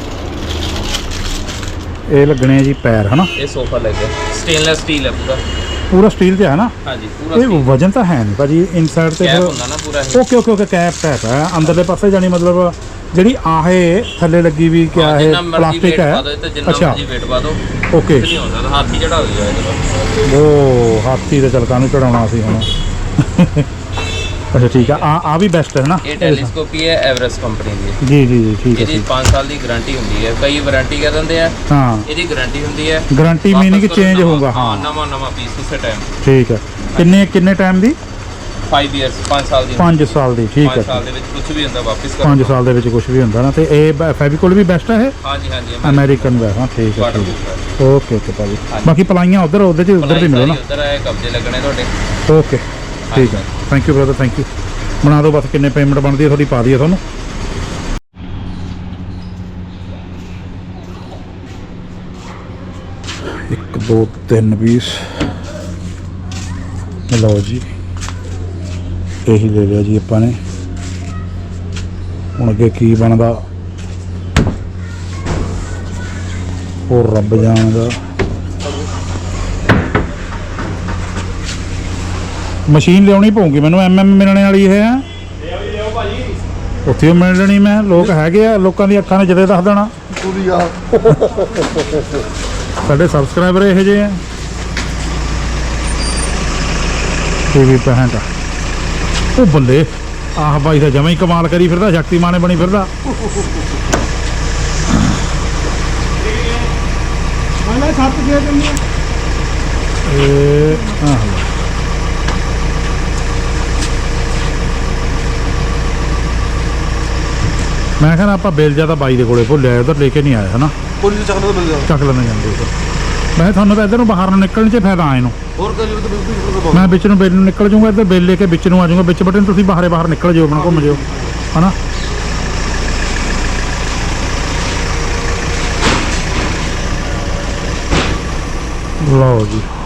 Speaker 2: ਇਹ ਲੱਗਣੇ ਆ ਜੀ ਪੈਰ ਹਨਾ।
Speaker 8: ਇਹ ਸੋਫਾ ਲੈ ਗਿਆ, ਸਟੇਨਲੈਸ ਸਟੀਲ ਹੈ ਪੂਰਾ।
Speaker 2: ਪੂਰਾ ਸਟੀਲ ਤੇ ਹੈ ਨਾ?
Speaker 8: ਹਾਂਜੀ ਪੂਰਾ
Speaker 2: ਇਹ ਵਜਨ ਤਾਂ ਹੈ ਨਹੀਂ ਭਾਜੀ ਇਨਸਾਈਡ ਤੇ।
Speaker 8: ਕੈਪ ਹੁੰਦਾ ਨਾ ਪੂਰਾ ਇਹ।
Speaker 2: Okay okay okay cap tap ਹੈ ਅੰਦਰਲੇ ਪਾਸੇ, ਜਾਨੀ ਮਤਲਬ ਜਿਹੜੀ ਆਹੇ ਥੱਲੇ ਲੱਗੀ ਵੀ ਕਿਆ
Speaker 8: ਹਾਂ,
Speaker 2: ਇਹ
Speaker 8: ਜਿੰਨਾ ਮਰਜ਼ੀ
Speaker 2: ਪਲਾਸਟਿਕ
Speaker 8: weight
Speaker 2: ਹੈ
Speaker 8: ਪਾ ਦਿਓ, ਇਹ ਤੇ ਜਿੰਨਾ
Speaker 2: ਅੱਛਾ
Speaker 8: ਮਰਜ਼ੀ weight ਪਾ ਦਿਓ
Speaker 2: ਓਕੇ
Speaker 8: ਕੁਝ ਨਹੀਂ ਹੁੰਦਾ ਤਾਂ ਹਾਥੀ ਚੜਾ ਦਿਓ ਇਹਦੇ
Speaker 2: ਉਹ ਹਾਥੀ ਦੇ ਚਲਕਾਂ ਨੂੰ ਚੜਾਉਣਾ ਸੀ ਹੁਣ ਅੱਛਾ ਠੀਕ ਆ ਆ ਆ ਵੀ ਬੈਸਟ ਹੈ ਨਾ
Speaker 8: ਇਹ ਟੈਲੀਸਕੋਪੀ ਹੈ ਐਵਰੈਸਟ ਕੰਪਨੀ ਦੀ
Speaker 2: ਜੀ ਜੀ ਜੀ ਠੀਕ ਹੈ
Speaker 8: ਇਹਦੀ
Speaker 2: ਠੀਕ
Speaker 8: ਪੰਜ ਸਾਲ ਦੀ ਗਾਰੰਟੀ ਹੁੰਦੀ ਹੈ ਕਈ ਵਾਰੰਟੀ ਕਹਿ ਦਿੰਦੇ ਆ
Speaker 2: ਹਾਂ
Speaker 8: ਇਹਦੀ ਗਾਰੰਟੀ ਹੁੰਦੀ ਹੈ
Speaker 2: ਗਾਰੰਟੀ ਮੀਨਿੰਗ
Speaker 8: ਵਾਪਸ ਕਰੋ
Speaker 2: ਚੇਂਜ
Speaker 8: ਨਵਾਂ-
Speaker 2: ਹੋਊਗਾ
Speaker 8: ਹਾਂ
Speaker 2: ਹਾਂ
Speaker 8: ਨਵਾਂ ਨਵਾਂ ਪੀਸ ਉਸੇ ਟਾਈਮ
Speaker 2: ਠੀਕ ਹੈ ਕਿੰਨੇ ਕਿੰਨੇ ਟਾਈਮ ਦੀ
Speaker 8: ਪੰਜ ਇਅਰਸ ਪੰਜ ਸਾਲ ਦੀ
Speaker 2: ਪੰਜ ਸਾਲ ਦੀ ਠੀਕ ਹੈ
Speaker 8: ਪੰਜ ਸਾਲ ਦੇ ਵਿੱਚ ਕੁਝ ਵੀ ਹੁੰਦਾ ਵਾਪਸ ਕਰੋ
Speaker 2: ਪੰਜ ਸਾਲ ਦੇ ਵਿੱਚ ਕੁਝ ਵੀ ਹੁੰਦਾ ਨਾ ਤੇ ਇਹ ਫੈਵੀਕੋਲ ਵੀ ਬੈਸਟ ਹੈ ਇਹ
Speaker 8: ਹਾਂਜੀ ਹਾਂਜੀ
Speaker 2: ਅਮਰੀਕਨ ਵੈ ਹਾਂ ਠੀਕ ਹੈ
Speaker 8: ਵਾਟਰ
Speaker 2: ਠੀਕ
Speaker 8: ਪ੍ਰੂਫ
Speaker 2: ਹੈ ਓਕੇ ਓਕੇ ਭਾਜੀ ਬਾਕੀ ਪਲਾਈਆਂ ਉਧਰ ਉਹਦੇ ਚ ਉਧਰ ਦੀ ਮਿਲੋ ਨਾ
Speaker 8: ਉਧਰ ਆਏ ਕਬਜ਼ੇ ਲੱਗਣੇ ਤੁਹਾਡੇ
Speaker 2: ਓਕੇ ਠੀਕ ਹੈ thank you brother thank you ਬਣਾ ਦਿਓ ਬਸ ਕਿੰਨੇ ਪੇਮੈਂਟ ਬਣਦੀ ਹੈ ਤੁਹਾਡੀ ਪਾ ਦਈਏ ਤੁਹਾਨੂੰ ਇੱਕ ਦੋ ਤਿੰਨ ਪੀਸ ਲਓ ਜੀ ਇਹੀ ਲੈ ਲਿਆ ਜੀ ਆਪਾਂ ਨੇ ਹੁਣ ਅੱਗੇ ਕੀ ਬਣਦਾ ਉਹ ਰੱਬ ਜਾਣਦਾ ਮਸ਼ੀਨ ਲਿਆਉਣੀ ਪਊਗੀ ਮੈਨੂੰ ਐਮ ਐਮ ਮਿਲਣੇ ਵਾਲੀ ਇਹ ਹੈ ਉੱਥੇ ਉਹ ਮਿਲ ਲੈਣੀ ਮੈਂ ਲੋਕ ਹੈਗੇ ਆ ਲੋਕਾਂ ਦੀ ਅੱਖਾਂ ਨੇ ਜਦੇ ਦੱਸ ਦੇਣਾ ਸਾਡੇ ਸਬਸਕ੍ਰਾਈਬਰ ਇਹੋ ਜਿਹੇ ਆ ਟੀਵੀ ਪੈਂਟ ਉਹ ਬੱਲੇ ਆਹ ਬਾਈ ਦਾ ਜਮਾ ਹੀ ਕਮਾਲ ਕਰੀ ਫਿਰਦਾ ਸ਼ਕਤੀਮਾਨ ਬਣੀ ਫਿਰਦਾ ਇਹ ਆਹ ਮੈਂ ਕਹਿੰਦਾ ਆਪਾਂ ਬਿੱਲ ਜਿਆਦਾ ਬਾਈ ਦੇ ਕੋਲੇ ਭੁੱਲਿਆ ਉਧਰ ਲੈ ਕੇ ਨਹੀਂ ਆਇਆ ਹਨਾ
Speaker 6: ਪੁਲਿਸ ਚੱਕ ਲਓ ਮਿਲ ਜਾਓ
Speaker 2: ਚੱਕ ਲੈਣੇ ਜਾਂਦੇ ਉਧਰ ਮੈਂ ਤੁਹਾਨੂੰ ਤਾਂ ਇੱਧਰ ਨੂੰ ਬਾਹਰ ਨੂੰ ਨਿਕਲਣ 'ਚ ਫਾਇਦਾ ਆਏ ਨੂੰ
Speaker 6: ਹੋਰ ਕਰ ਲਿਓ ਤਾਂ ਬਿਲਕੁਲ
Speaker 2: ਮੈਂ ਵਿੱਚ ਨੂੰ ਬਿੱਲ ਨੂੰ ਨਿਕਲ ਜਾਊਂਗਾ ਇੱਧਰ ਬਿੱਲ ਲੈ ਕੇ ਵਿੱਚ ਨੂੰ ਆ ਜਾਊਂਗਾ ਵਿੱਚ ਬਟਨ ਤੁਸੀਂ ਬਾਹਰੇ ਬਾਹਰ ਨਿਕਲ ਜਿਓ ਆਪਣਾ ਘੁੰਮ ਜਿਓ ਹਨਾ ਲਓ ਜੀ